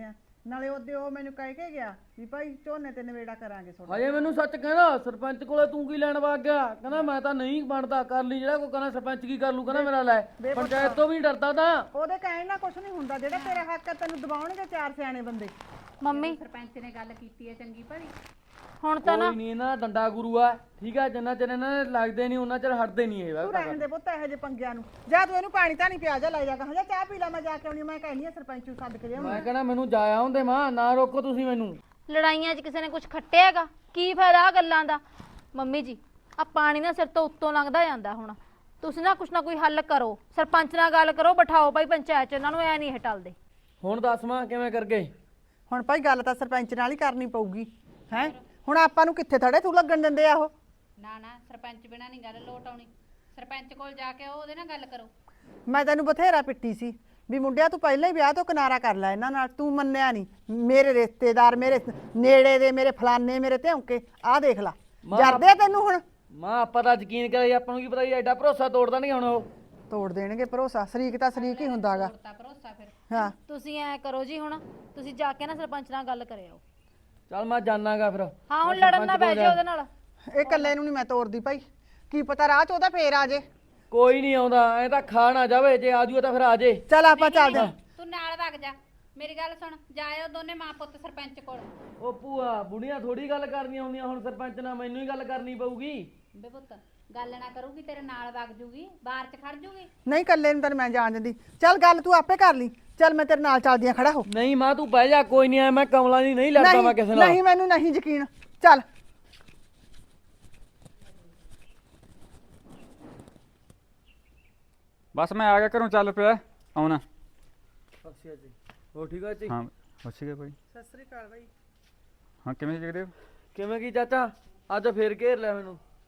S4: ਨਾਲੇ ਉਹਦੇ ਉਹ ਮੈਨੂੰ ਕਹਿ ਕੇ ਗਿਆ ਵੀ ਭਾਈ ਝੋਨੇ ਤੇ ਨਵੇੜਾ ਕਰਾਂਗੇ ਤੁਹਾਡਾ।
S3: ਹਜੇ ਮੈਨੂੰ ਸੱਚ ਕਹਿੰਦਾ ਸਰਪੰਚ ਕੋਲੇ ਤੂੰ ਕੀ ਲੈਣ ਵਗ ਗਿਆ, ਕਹਿੰਦਾ ਮੈਂ ਤਾਂ ਨਹੀਂ ਬਣਦਾ, ਕਰ ਲਈ ਜਿਹੜਾ ਕੋਈ ਕਹਿੰਦਾ ਸਰਪੰਚ ਕੀ ਕਰ ਲੂ, ਕਹਿੰਦਾ ਮੇਰਾ ਲੈ ਪੰਚਾਇਤ ਤੋਂ ਵੀ ਡਰਦਾ ਤਾਂ।
S4: ਉਹਦੇ ਕਹਿਣ ਨਾਲ ਕੁਝ ਨਹੀਂ ਹੁੰਦਾ, ਜਿਹੜਾ ਤੇਰਾ ਹੱਕ ਹੈ ਤੈਨੂੰ ਦਬਾਉਣਗੇ ਚਾਰ ਸਿਆਣੇ ਬੰਦੇ।
S6: ਮੰਮੀ
S5: ਸਰਪੰਚ ਨੇ ਗੱਲ ਕੀਤੀ ਹੈ ਚੰਗੀ ਭਲੀ।
S6: ਹੁਣ ਤਾਂ ਨਾ
S3: ਕੋਈ ਨਹੀਂ ਨਾ ਡੰਡਾ ਗੁਰੂ ਆ, ਠੀਕ ਆ, ਜਿੰਨਾ ਚਿਰ ਇਹਨਾਂ ਨੇ ਲੱਗਦੇ ਨਹੀਂ ਉਹਨਾਂ ਚਿਰ ਹਟਦੇ ਨਹੀਂ ਇਹ
S4: ਤੂੰ ਰਹਿਣ ਦੇ ਪੁੱਤ ਇਹੋ ਜਿਹੇ ਪੰਗਿਆਂ ਨੂੰ। ਜਾ ਤੂੰ ਇਹਨੂੰ ਪਾਣੀ ਤਾਂ ਨਹੀਂ ਪਿਆ, ਜਾ ਲੈ ਜਾ ਕਹਾਂ, ਜਾ ਚਾਹ ਪੀ ਲੈ, ਮੈਂ ਜਾ ਕੇ ਆਉਣੀ, ਮੈਂ ਕਹਿੰਦੀ ਆ ਸਰਪੰਚ ਨੂੰ ਸੱਦ ਕੇ ਲਿਆਉਣੀ।
S3: ਮੈਂ ਕਹਿੰਦਾ ਮੈਨੂੰ ਜਾਇਆ ਹੁੰਦੇ ਮਾਂ, ਨਾ ਰੋਕੋ ਤੁਸੀਂ ਮੈਨੂੰ।
S6: ਲੜਾਈਆਂ 'ਚ ਕਿਸੇ ਨੇ ਕੁਝ ਖੱਟਿਆ ਹੈਗਾ, ਕੀ ਫਾਇਦਾ ਆ ਗੱਲਾਂ ਦਾ। ਮੰਮੀ ਜੀ ਆ ਪਾਣੀ ਨਾ ਸਿਰ ਤੋਂ ਉੱਤੋਂ ਲੰਘਦਾ ਜਾਂਦਾ, ਹੁਣ ਤੁਸੀਂ ਨਾ ਕੁਛ ਨਾ ਕੋਈ ਹੱਲ ਕਰੋ, ਸਰਪੰਚ ਨਾਲ ਗੱਲ ਕਰੋ, ਬਿਠਾਓ ਭਾਈ ਪੰਚਾਇਤ 'ਚ, ਇਹਨਾਂ ਨੂੰ ਐ ਨਹੀਂ ਹਟਾਲਦੇ।
S3: ਹੁਣ ਦੱਸ ਮਾਂ ਕਿਵੇਂ ਕਰਗੇ?
S4: ਹੁਣ ਭਾਈ ਗੱਲ ਤਾਂ ਸਰਪੰਚ ਨਾਲ ਹੀ ਕਰਨੀ ਪਊਗੀ ਹੈ। ਹੁਣ ਆਪਾਂ ਨੂੰ ਕਿੱਥੇ ਥੜੇ ਤੂੰ ਲੱਗਣ ਦਿੰਦੇ ਆ ਉਹ।
S5: ਨਾ ਨਾ ਸਰਪੰਚ ਬਿਨਾਂ ਨਹੀਂ ਗੱਲ ਲੋਟ ਆਉਣੀ, ਸਰਪੰਚ ਕੋਲ ਜਾ ਕੇ ਉਹਦੇ ਨਾਲ ਗੱਲ ਕਰੋ।
S4: ਮੈਂ ਤੈਨੂੰ ਬਥੇਰਾ ਪਿੱਟੀ ਸੀ ਵੀ ਮੁੰਡਿਆ ਤੂੰ ਪਹਿਲਾਂ ਹੀ ਵਿਆਹ ਤੋਂ ਕਿਨਾਰਾ ਕਰ ਲੈ ਇਹਨਾਂ ਨਾਲ, ਤੂੰ ਮੰਨਿਆ ਨਹੀਂ। ਮੇਰੇ ਰਿਸ਼ਤੇਦਾਰ, ਮੇਰੇ ਨੇੜੇ ਦੇ, ਮੇਰੇ ਫਲਾਨੇ, ਮੇਰੇ ਧਿਉਂਕੇ, ਆਹ ਦੇਖ ਲਾ ਜਰਦੇ ਆ ਤੈਨੂੰ ਹੁਣ।
S3: ਮਾਂ ਆਪਾਂ ਤਾਂ ਯਕੀਨ ਕਰੇ, ਆਪਾਂ ਨੂੰ ਕੀ ਪਤਾ ਐਡਾ ਭਰੋਸਾ ਤੋੜਦਾ ਨਹੀਂ ਹੁਣ ਉਹ।
S4: ਤੋੜ ਦੇਣਗੇ ਭਰੋਸਾ, ਸ਼ਰੀਕ ਤਾਂ ਸ਼ਰੀਕ ਹੀ ਹੁੰਦਾਗਾ।
S5: ਤਾਂ ਭਰੋਸਾ ਫਿਰ
S4: ਹਾਂ
S6: ਤੁਸੀਂ ਐ ਕਰੋ ਜੀ, ਹੁਣ ਤੁਸੀਂ ਜਾ ਕੇ ਨਾ ਸਰਪੰਚ ਨਾਲ ਗੱਲ ਕਰਿਓ।
S3: ਚੱਲ ਮੈਂ ਜਾਣਾਗਾ ਫਿਰ।
S6: ਹਾਂ ਹੁਣ ਲੜਨ ਨਾ ਬਹਿ ਜਾਓ ਉਹਦੇ ਨਾਲ।
S4: ਇਹ ਇਕੱਲੇ ਨੂੰ ਨਹੀਂ ਮੈਂ ਤੋੜਦੀ ਭਾਈ, ਕੀ ਪਤਾ ਰਾਹ ਚ ਉਹਦਾ ਫੇਰ ਆ ਜੇ।
S3: ਕੋਈ ਨਹੀਂ ਆਉਂਦਾ, ਐ ਤਾਂ ਖਾ ਨਾ ਜਾਵੇ, ਜੇ ਆਜੂ ਤਾਂ ਫਿਰ ਆ ਜੇ।
S4: ਚੱਲ ਆਪਾਂ ਚੱਲਦੇ ਹਾਂ।
S5: ਤੂੰ ਨਾਲ ਵਗ ਜਾ, ਮੇਰੀ ਗੱਲ ਸੁਣ, ਜਾਇਓ ਦੋਨੇ ਮਾਂ ਪੁੱਤ ਸਰਪੰਚ ਕੋਲ।
S3: ਉਹ ਭੂਆ ਬੁੜੀਆਂ ਥੋੜੀ ਗੱਲ ਕਰਨੀਆਂ ਹੁੰਦੀਆਂ, ਹੁਣ ਸਰਪੰਚ ਨਾਲ ਮੈਨੂੰ ਹੀ ਗੱਲ ਕਰਨੀ ਪਊਗੀ।
S5: ਬੇ ਪੁੱਤ ਗੱਲ ਨਾ ਕਰੂਗੀ ਤੇਰੇ ਨਾਲ ਵਗ ਜੂਗੀ, ਬਾਹਰ ਚ ਖੜ ਜੂਗੀ।
S4: ਨਹੀਂ ਇਕੱਲੇ ਨੂੰ ਤਾਂ ਮੈਂ ਜਾਣ ਦਿੰਦੀ। ਚੱਲ ਗੱਲ ਤੂੰ ਆਪੇ ਕਰ ਲਈ, ਚੱਲ ਮੈਂ ਤੇਰੇ ਨਾਲ ਚੱਲਦੀ ਆ, ਖੜਾ ਹੋ।
S3: ਨਹੀਂ ਮਾਂ ਤੂੰ ਬਹਿ ਜਾ, ਕੋਈ ਨਹੀਂ, ਮੈਂ ਕਮਲਾ ਨਹੀਂ ਲੜਦਾ ਮੈਂ ਕਿਸੇ ਨਾਲ।
S4: ਨਹੀਂ ਮੈਨੂੰ ਨਹੀਂ ਯਕੀਨ, ਚੱਲ।
S7: ਬਸ ਮੈਂ ਆ ਗਿਆ ਘਰੋਂ, ਚੱਲ ਪਿਆ ਆਉਣਾ।
S3: ਅੱਛਾ ਜੀ, ਹੋਰ ਠੀਕ ਆ ਜੀ?
S7: ਹਾਂ ਅੱਛੀ ਗਿਆ ਭਾਈ।
S4: ਸਤਿ ਸ੍ਰੀ ਅਕਾਲ ਬਾਈ।
S7: ਹਾਂ ਕਿਵੇਂ ਜਗਦੇਵ?
S3: ਕਿਵੇਂ ਕੀ ਚਾਚਾ, ਅੱਜ ਫੇਰ ਘੇਰ ਲਿਆ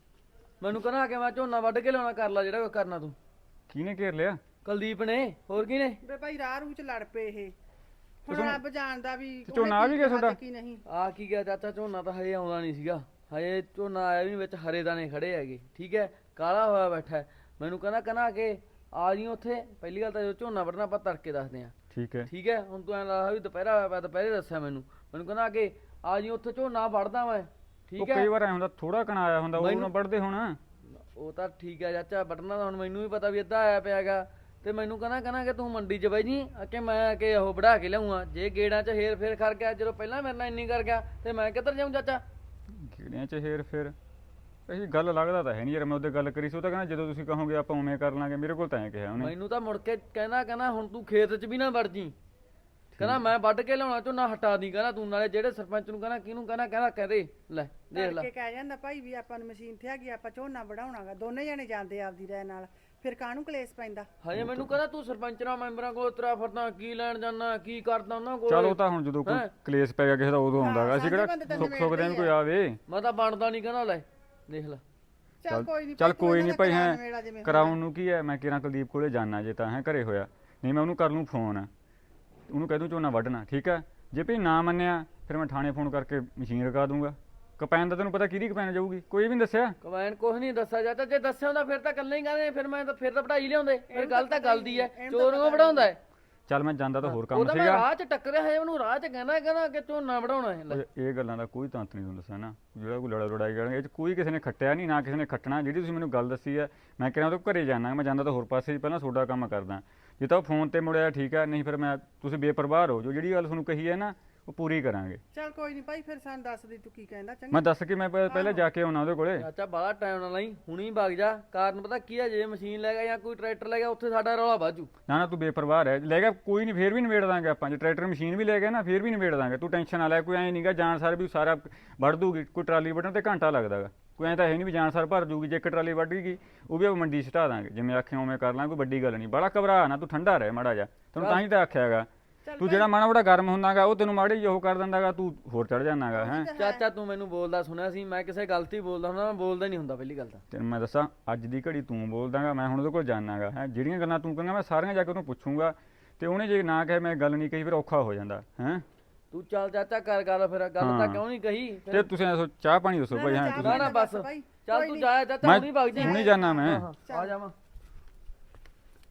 S3: ਮੈਨੂੰ ਕਹਿੰਦਾ ਕਿ ਮੈਂ ਝੋਨਾ ਵੱਢ ਕੇ ਲਿਆਉਣਾ, ਕਰ ਲਾ ਜਿਹੜਾ ਕੋਈ ਕਰਨਾ ਤੂੰ।
S7: ਕਿਹਨੇ ਘੇਰ ਲਿਆ?
S3: ਕੁਲਦੀਪ ਨੇ, ਹੋਰ ਕੀ ਨੇ?
S4: ਬੇ ਭਾਈ ਰਾਹ ਰੂਹ ਚ ਲੜ ਪਏ ਇਹ, ਹੁਣ ਰੱਬ ਜਾਣਦਾ ਵੀ
S7: ਝੋਨਾ ਆ ਵੀ ਗਿਆ ਤੁਹਾਡਾ?
S4: ਕੀ ਨਹੀਂ।
S3: ਆ ਕੀ ਗਿਆ ਚਾਚਾ, ਝੋਨਾ ਤਾਂ ਹਜੇ ਆਉਂਦਾ ਨਹੀਂ ਸੀਗਾ, ਹਜੇ ਝੋਨਾ ਆਇਆ ਵੀ ਨੀ, ਵਿੱਚ ਹਰੇ ਦਾਣੇ ਖੜੇ ਹੈਗੇ, ਠੀਕ ਹੈ, ਕਾਲਾ ਹੋਇਆ ਬੈਠਾ ਹੈ। ਮੈਨੂੰ ਕਹਿੰਦਾ ਕਿ ਆ ਜੀ ਉੱਥੇ। ਪਹਿਲੀ ਗੱਲ ਤਾਂ ਜੋ ਝੋਨਾ ਵੱਢਣਾ ਆਪਾਂ ਤੜਕੇ ਦੱਸਦੇ ਆ,
S7: ਠੀਕ ਹੈ
S3: ਠੀਕ ਹੈ। ਹੁਣ ਤੂੰ ਐਂ ਲੱਗਦਾ ਵੀ ਦੁਪਹਿਰਾ ਹੋਇਆ ਪਿਆ, ਦੁਪਹਿਰੇ ਦੱਸਿਆ ਮੈਨੂੰ ਕਹਿੰਦਾ ਕਿ ਆ ਜੀ ਉੱਥੇ ਝੋਨਾ ਵੱਢਦਾ ਮੈਂ,
S7: ਉਹ
S3: ਠੀਕ ਹੈ।
S7: ਕਈ ਵਾਰ ਐ ਹੁੰਦਾ ਥੋੜਾ ਕਣਾ ਆਇਆ ਹੁੰਦਾ, ਉਹ ਨਾ ਵੱਢਦੇ ਹੁਣ।
S3: ਉਹ ਤਾਂ ਠੀਕ ਹੈ ਚਾਚਾ, ਵੱਢਣਾ ਤਾਂ ਹੁਣ ਮੈਨੂੰ ਵੀ ਪਤਾ ਵੀ ਅੱਧਾ ਆਇਆ ਪਿਆਗਾ। ਤੇ ਮੈਨੂੰ ਕਹਿੰਦਾ ਕਿ ਤੂੰ ਮੰਡੀ 'ਚ ਬਾਈ ਜੀ ਕਿ ਮੈਂ ਕਿ ਉਹ ਵਢਾ ਕੇ ਲਿਆਉਂਗਾ, ਜੇ ਗੇੜਾਂ 'ਚ ਹੇਰ ਫੇਰ ਕਰ ਗਿਆ, ਜਦੋਂ ਪਹਿਲਾਂ ਮੇਰੇ ਨਾਲ ਇੰਨੀ ਕਰ ਗਿਆ ਤੇ ਮੈਂ ਕਿੱਧਰ ਜਾਊਂ ਚਾਚਾ?
S7: ਕੀੜਿਆਂ 'ਚ ਹੇਰ ਫੇਰ ਇਹ ਗੱਲ ਲੱਗਦਾ ਤਾਂ ਹੈ ਨਹੀਂ ਯਾਰ। ਮੈਂ ਉਹਦੇ ਗੱਲ ਕਰੀ ਸੀ, ਉਹ ਤਾਂ ਕਹਿੰਦਾ ਜਦੋਂ ਤੁਸੀਂ ਕਹੋਗੇ ਆਪਾਂ ਉਵੇਂ ਕਰ ਲਾਂਗੇ। ਮੇਰੇ ਕੋਲ ਤਾਂ ਐਂ ਕਿਹਾ ਉਹਨੇ।
S3: ਮੈਨੂੰ ਤਾਂ ਮੁੜ ਕੇ ਕਹਿੰਦਾ ਹੁਣ ਤੂੰ ਖੇਤ 'ਚ ਵੀ ਨਾ ਵੜ ਜੀ, ਕਹਿੰਦਾ ਮੈਂ ਵੱਢ ਕੇ ਲਿਆਉਣਾ ਝੋਨਾ, ਹਟਾ ਦੀ ਕਹਿੰਦਾ ਤੂੰ। ਨਾਲੇ ਜਿਹੜੇ ਸਰਪੰਚ ਨੂੰ ਕਹਿੰਦਾ ਕਿਹਨੂੰ ਕਹਿੰਦਾ ਕਹਦੇ ਲੈ ਦੇਖ ਲੈ।
S4: ਕੇ ਕਹਿ ਜਾਂਦਾ ਭਾਈ ਵੀ ਆਪਾਂ ਨੂੰ ਮਸ਼ੀਨ ਤੇ ਹੈਗੀ, ਆਪਾਂ ਝੋਨਾ ਵਢਾਉਣਾਗਾ, ਦੋਨੇ ਜਣੇ ਜਾਂਦੇ ਆਪਦੀ ਰਾਏ ਨਾਲ, ਫਿਰ ਕਾਹਨੂੰ ਕਲੇਸ਼ ਪੈਂਦਾ।
S3: ਹਜੇ ਮੈਨੂੰ ਕਹਿੰਦਾ ਤੂੰ ਸਰਪੰਚਾਂ ਮੈਂਬਰਾਂ ਕੋਲ ਤੁਰਿਆ ਫਿਰਦਾ, ਕੀ ਲੈਣ ਜਾਣਾ, ਕੀ ਕਰਦਾ ਉਹਨਾਂ ਕੋਲ।
S7: ਚਲ ਉਹ ਤਾਂ ਹੁਣ ਜਦੋਂ ਕੋਈ ਕਲੇਸ਼ ਪੈ ਗਿਆ ਕਿਸੇ ਦਾ ਉਦੋਂ ਆਉਂਦਾਗਾ, ਅਸੀਂ ਕਿਹੜਾ ਸੁੱਖ ਦੇ ਕੋਈ ਆਵੇ।
S3: ਮੈਂ ਤਾਂ ਬਣਦਾ ਨਹੀਂ, ਕਹਿੰਦਾ ਲੈ ਦੇਖ ਲੈ।
S4: ਚੱਲ ਕੋਈ ਨਹੀਂ,
S7: ਚੱਲ ਕੋਈ ਨਹੀਂ ਭਾਈ, ਹੈ ਕਰਾਉਣ ਨੂੰ ਕੀ ਹੈ। ਮੈਂ ਕਿਰਾਂ ਕੁਲਦੀਪ ਕੋਲੇ ਜਾਣਾ, ਜੇ ਤਾਂ ਹੈ ਘਰੇ ਹੋਇਆ, ਨਹੀਂ ਮੈਂ ਉਹਨੂੰ ਕਰ ਲੂੰ ਫੋਨ, ਉਹਨੂੰ ਕਹਿ ਦੂੰ ਝੋਨਾ ਵੱਢਣਾ, ਠੀਕ ਹੈ। ਜੇ ਭਈ ਨਾ ਮੰਨਿਆ ਫਿਰ ਮੈਂ ਥਾਣੇ ਫੋਨ ਕਰਕੇ ਮਸ਼ੀਨ ਰਖਾ ਦੂੰਗਾ। ਕਪੈਨ ਦਾ ਤੈਨੂੰ ਪਤਾ ਕਿਹਦੀ ਕਪੈਨ ਜਾਊਗੀ, ਕੋਈ ਵੀ ਨਹੀਂ ਦੱਸਿਆ।
S3: ਕਮੈਨ ਕੁਛ ਨਹੀਂ ਦੱਸਿਆ ਜਾਂਦਾ, ਜੇ ਦੱਸਿਆ ਹੁੰਦਾ ਫਿਰ ਤਾਂ ਇਕੱਲੇ ਹੀ ਕਹਿੰਦੇ, ਫਿਰ ਤਾਂ ਪੜਾਈ ਲਿਆਉਂਦੇ। ਫਿਰ ਗੱਲ ਤਾਂ ਗੱਲ ਦੀ ਹੈ, ਚੋਰ ਨੂੰ ਵਢਾਉਂਦਾ ਹੈ।
S7: ਚੱਲ ਮੈਂ ਜਾਂਦਾ ਤਾਂ ਹੋਰ ਕੰਮ
S3: ਉਹਦਾ ਮੈਂ
S7: ਸੀਗਾ।
S3: ਰਾਹ 'ਚ ਟੱਕਰਿਆ ਹੈ, ਉਹਨੂੰ ਰਾਹ 'ਚ ਕਹਿੰਦਾ ਕਿ ਝੋਨਾ ਵਢਾਉਣਾ ਹੈ। ਲੈ
S7: ਇਹ ਗੱਲਾਂ ਦਾ ਕੋਈ ਤੰਤ ਨਹੀਂ ਤੁਹਾਨੂੰ ਦੱਸਿਆ ਨਾ, ਜਿਹੜਾ ਕੋਈ ਲੜਾਈ ਕਰਨਗੇ ਇਹ 'ਚ ਕੋਈ ਕਿਸੇ ਨੇ ਖੱਟਿਆ ਨਹੀਂ, ਨਾ ਕਿਸੇ ਨੇ ਖੱਟਣਾ। ਜਿਹੜੀ ਤੁਸੀਂ ਮੈਨੂੰ ਗੱਲ ਦੱਸੀ ਹੈ, ਮੈਂ ਕਿਹਾ ਉਹ ਘਰੇ ਜਾਣਾ, ਮੈਂ ਜਾਂਦਾ ਤਾਂ ਹੋਰ ਪਾਸੇ ਪਹਿਲਾਂ ਤੁਹਾਡਾ ਕੰਮ ਕਰਦਾ। ਜੇ ਤਾਂ ਉਹ ਫੋਨ ਤੇ ਮੁੜਿਆ ਠੀਕ ਹੈ, ਨਹੀਂ ਫਿਰ ਮੈਂ ਤੁਸੀਂ ਬੇਪਰਵਾਹ ਹੋ ਜੋ, ਜਿਹੜੀ ਗੱਲ ਤੁਹਾਨੂੰ ਕਹੀ ਹੈ ਨਾ ਉਹ ਪੂਰੀ ਕਰਾਂਗੇ।
S4: ਚੱਲ ਕੋਈ ਨਹੀਂ ਭਾਈ, ਫਿਰ ਸਾਨੂੰ ਦੱਸ ਦੀ ਤੂੰ ਕੀ ਕਹਿੰਦਾ। ਚੰਗਾ
S7: ਮੈਂ ਦੱਸ ਕੇ ਮੈਂ ਪਹਿਲਾਂ ਜਾ ਕੇ ਆਉਣਾ ਉਹਦੇ ਕੋਲੇ।
S3: ਚਾਚਾ ਬਾਹਲਾ ਟਾਈਮ ਨਾ ਲਈ, ਹੁਣੀ ਵਗ ਜਾ। ਕਾਰਨ ਪਤਾ ਕੀ ਹੈ, ਜੇ ਮਸ਼ੀਨ ਲੈ ਗਿਆ ਜਾਂ ਕੋਈ ਟਰੈਕਟਰ ਲੈ ਗਿਆ, ਉੱਥੇ ਸਾਡਾ ਰੌਲਾ ਵਾਜੂ।
S7: ਨਾ ਤੂੰ ਬੇਪਰਵਾਹ ਰਹਿ, ਲੈ ਗਿਆ ਕੋਈ ਨਹੀਂ, ਫੇਰ ਵੀ ਨਿਬੇੜ ਦਾਂਗੇ ਆਪਾਂ। ਜੇ ਟਰੈਕਟਰ ਮਸ਼ੀਨ ਵੀ ਲੈ ਗਿਆ ਨਾ, ਫੇਰ ਵੀ ਨਿਬੇੜ ਦਾਂਗੇ, ਤੂੰ ਟੈਨਸ਼ਨ ਨਾ ਲੈ। ਕੋਈ ਐਂ ਨਹੀਂਗਾ ਜਾਣ ਸਾਰ ਵੀ ਸਾਰਾ ਵੱਢ ਦੂਗੀ, ਕੋਈ ਟਰਾਲੀ ਵੱਢਣ ਤੇ ਘੰਟਾ ਲੱਗਦਾਗਾ, ਕੋਈ ਐਂ ਤਾਂ ਹੈ ਨਹੀਂ ਵੀ ਜਾਣ ਸਾਰ ਭਰ ਜੂਗੀ। ਜੇ ਇੱਕ ਟਰਾਲੀ ਵੱਢ ਗਈ ਉਹ ਵੀ ਆਪਾਂ ਮੰਡੀ ਸਟਾ ਦਾਂਗੇ, ਜਿਵੇਂ ਆਖਿਆ ਉਵੇਂ ਕਰ ਲਾਂਗੇ, ਕੋਈ ਵੱਡੀ ਗੱਲ ਨਹੀਂ। ਬੜਾ ਘਬਰਾ ਨਾ, ਤੂੰ ਠੰਡਾ ਰਹਿ ਮਾੜਾ ਜਾ, ਤੈਨੂੰ ਤਾਂ ਹੀ ਤਾਂ ਆਖਿਆ ਹੈਗਾ। ਤੂੰ ਜਿਹੜਾ ਮਾੜਾ ਮੋਟਾ ਗਰਮ ਹੁੰਦਾਗਾ ਉਹ ਤੈਨੂੰ ਮਾੜੇ ਜਿਹੀ ਉਹ ਕਰ ਦਿੰਦਾਗਾ, ਤੂੰ ਹੋਰ ਚੜ ਜਾਂਦਾਗਾ। ਹੈ
S3: ਚਾਚਾ ਤੂੰ ਮੈਨੂੰ ਬੋਲਦਾ ਸੁਣਿਆ ਸੀ, ਮੈਂ ਕਿਸੇ ਗਲਤੀ ਬੋਲਦਾ ਹੁੰਦਾ, ਮੈਂ ਬੋਲਦਾ ਨਹੀਂ ਹੁੰਦਾ ਪਹਿਲੀ ਗੱਲ ਤਾਂ।
S7: ਤੈਨੂੰ ਮੈਂ ਦੱਸਾਂ, ਅੱਜ ਦੀ ਘੜੀ ਤੂੰ ਬੋਲਦਾਗਾ, ਮੈਂ ਹੁਣ ਉਹਦੇ ਕੋਲ ਜਾਣਾਗਾ। ਹੈ ਜਿਹੜੀਆਂ ਗੱਲਾਂ ਤੂੰ ਕਹਿੰਦਾ ਮੈਂ ਸਾਰੀਆਂ ਜਾ ਕੇ ਉਹਨੂੰ ਪੁੱਛੂੰਗਾ, ਤੇ ਉਹਨੇ ਜੇ ਨਾ ਕਹੇ ਮੈਂ ਗੱਲ ਨਹੀਂ ਕਹੀ, ਫਿਰ ਔਖਾ ਹੋ ਜਾਂਦਾ ਹੈ।
S3: ਤੂੰ ਚੱਲ ਚਾਚਾ ਕਰ ਗੱਲ, ਫਿਰ ਗੱਲ ਤਾਂ ਕਿਉਂ ਨਹੀਂ ਕਹੀ?
S7: ਤੇ ਤੁਸੀਂ ਦੱਸੋ ਚਾਹ ਪਾਣੀ ਦੱਸੋ ਭਾਈ। ਹਾਂ
S3: ਨਾ ਨਾ ਬਸ ਚੱਲ ਤੂੰ ਜਾਇਆ ਚਾਚਾ, ਹੁਣੀ ਵਗ ਜੀ।
S7: ਹੁਣੀ ਜਾਣਾ ਮੈਂ।
S3: ਆ ਜਾਵਾਂ।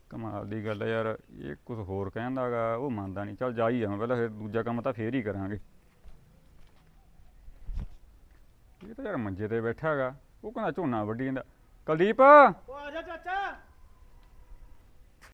S7: ਕਮਾਲ ਦੀ ਗੱਲ ਹੈ ਯਾਰ, ਇਹ ਕੁਝ ਹੋਰ ਕਹਿੰਦਾਗਾ, ਉਹ ਮੰਨਦਾ ਨਹੀਂ। ਚੱਲ ਜਾ ਹੀ ਆਵਾਂ ਪਹਿਲਾਂ, ਫਿਰ ਦੂਜਾ ਕੰਮ ਤਾਂ ਫੇਰ ਹੀ ਕਰਾਂਗੇ। ਇਹ ਤਾਂ ਯਾਰ ਮੰਜੇ ਤੇ ਬੈਠਾ ਹੈਗਾ, ਉਹ ਕਹਿੰਦਾ ਝੋਨਾ ਵੱਢੀ ਜਾਂਦਾ। ਕੁਲਦੀਪ
S2: ਉਹ ਆ ਜਾ ਚਾਚਾ।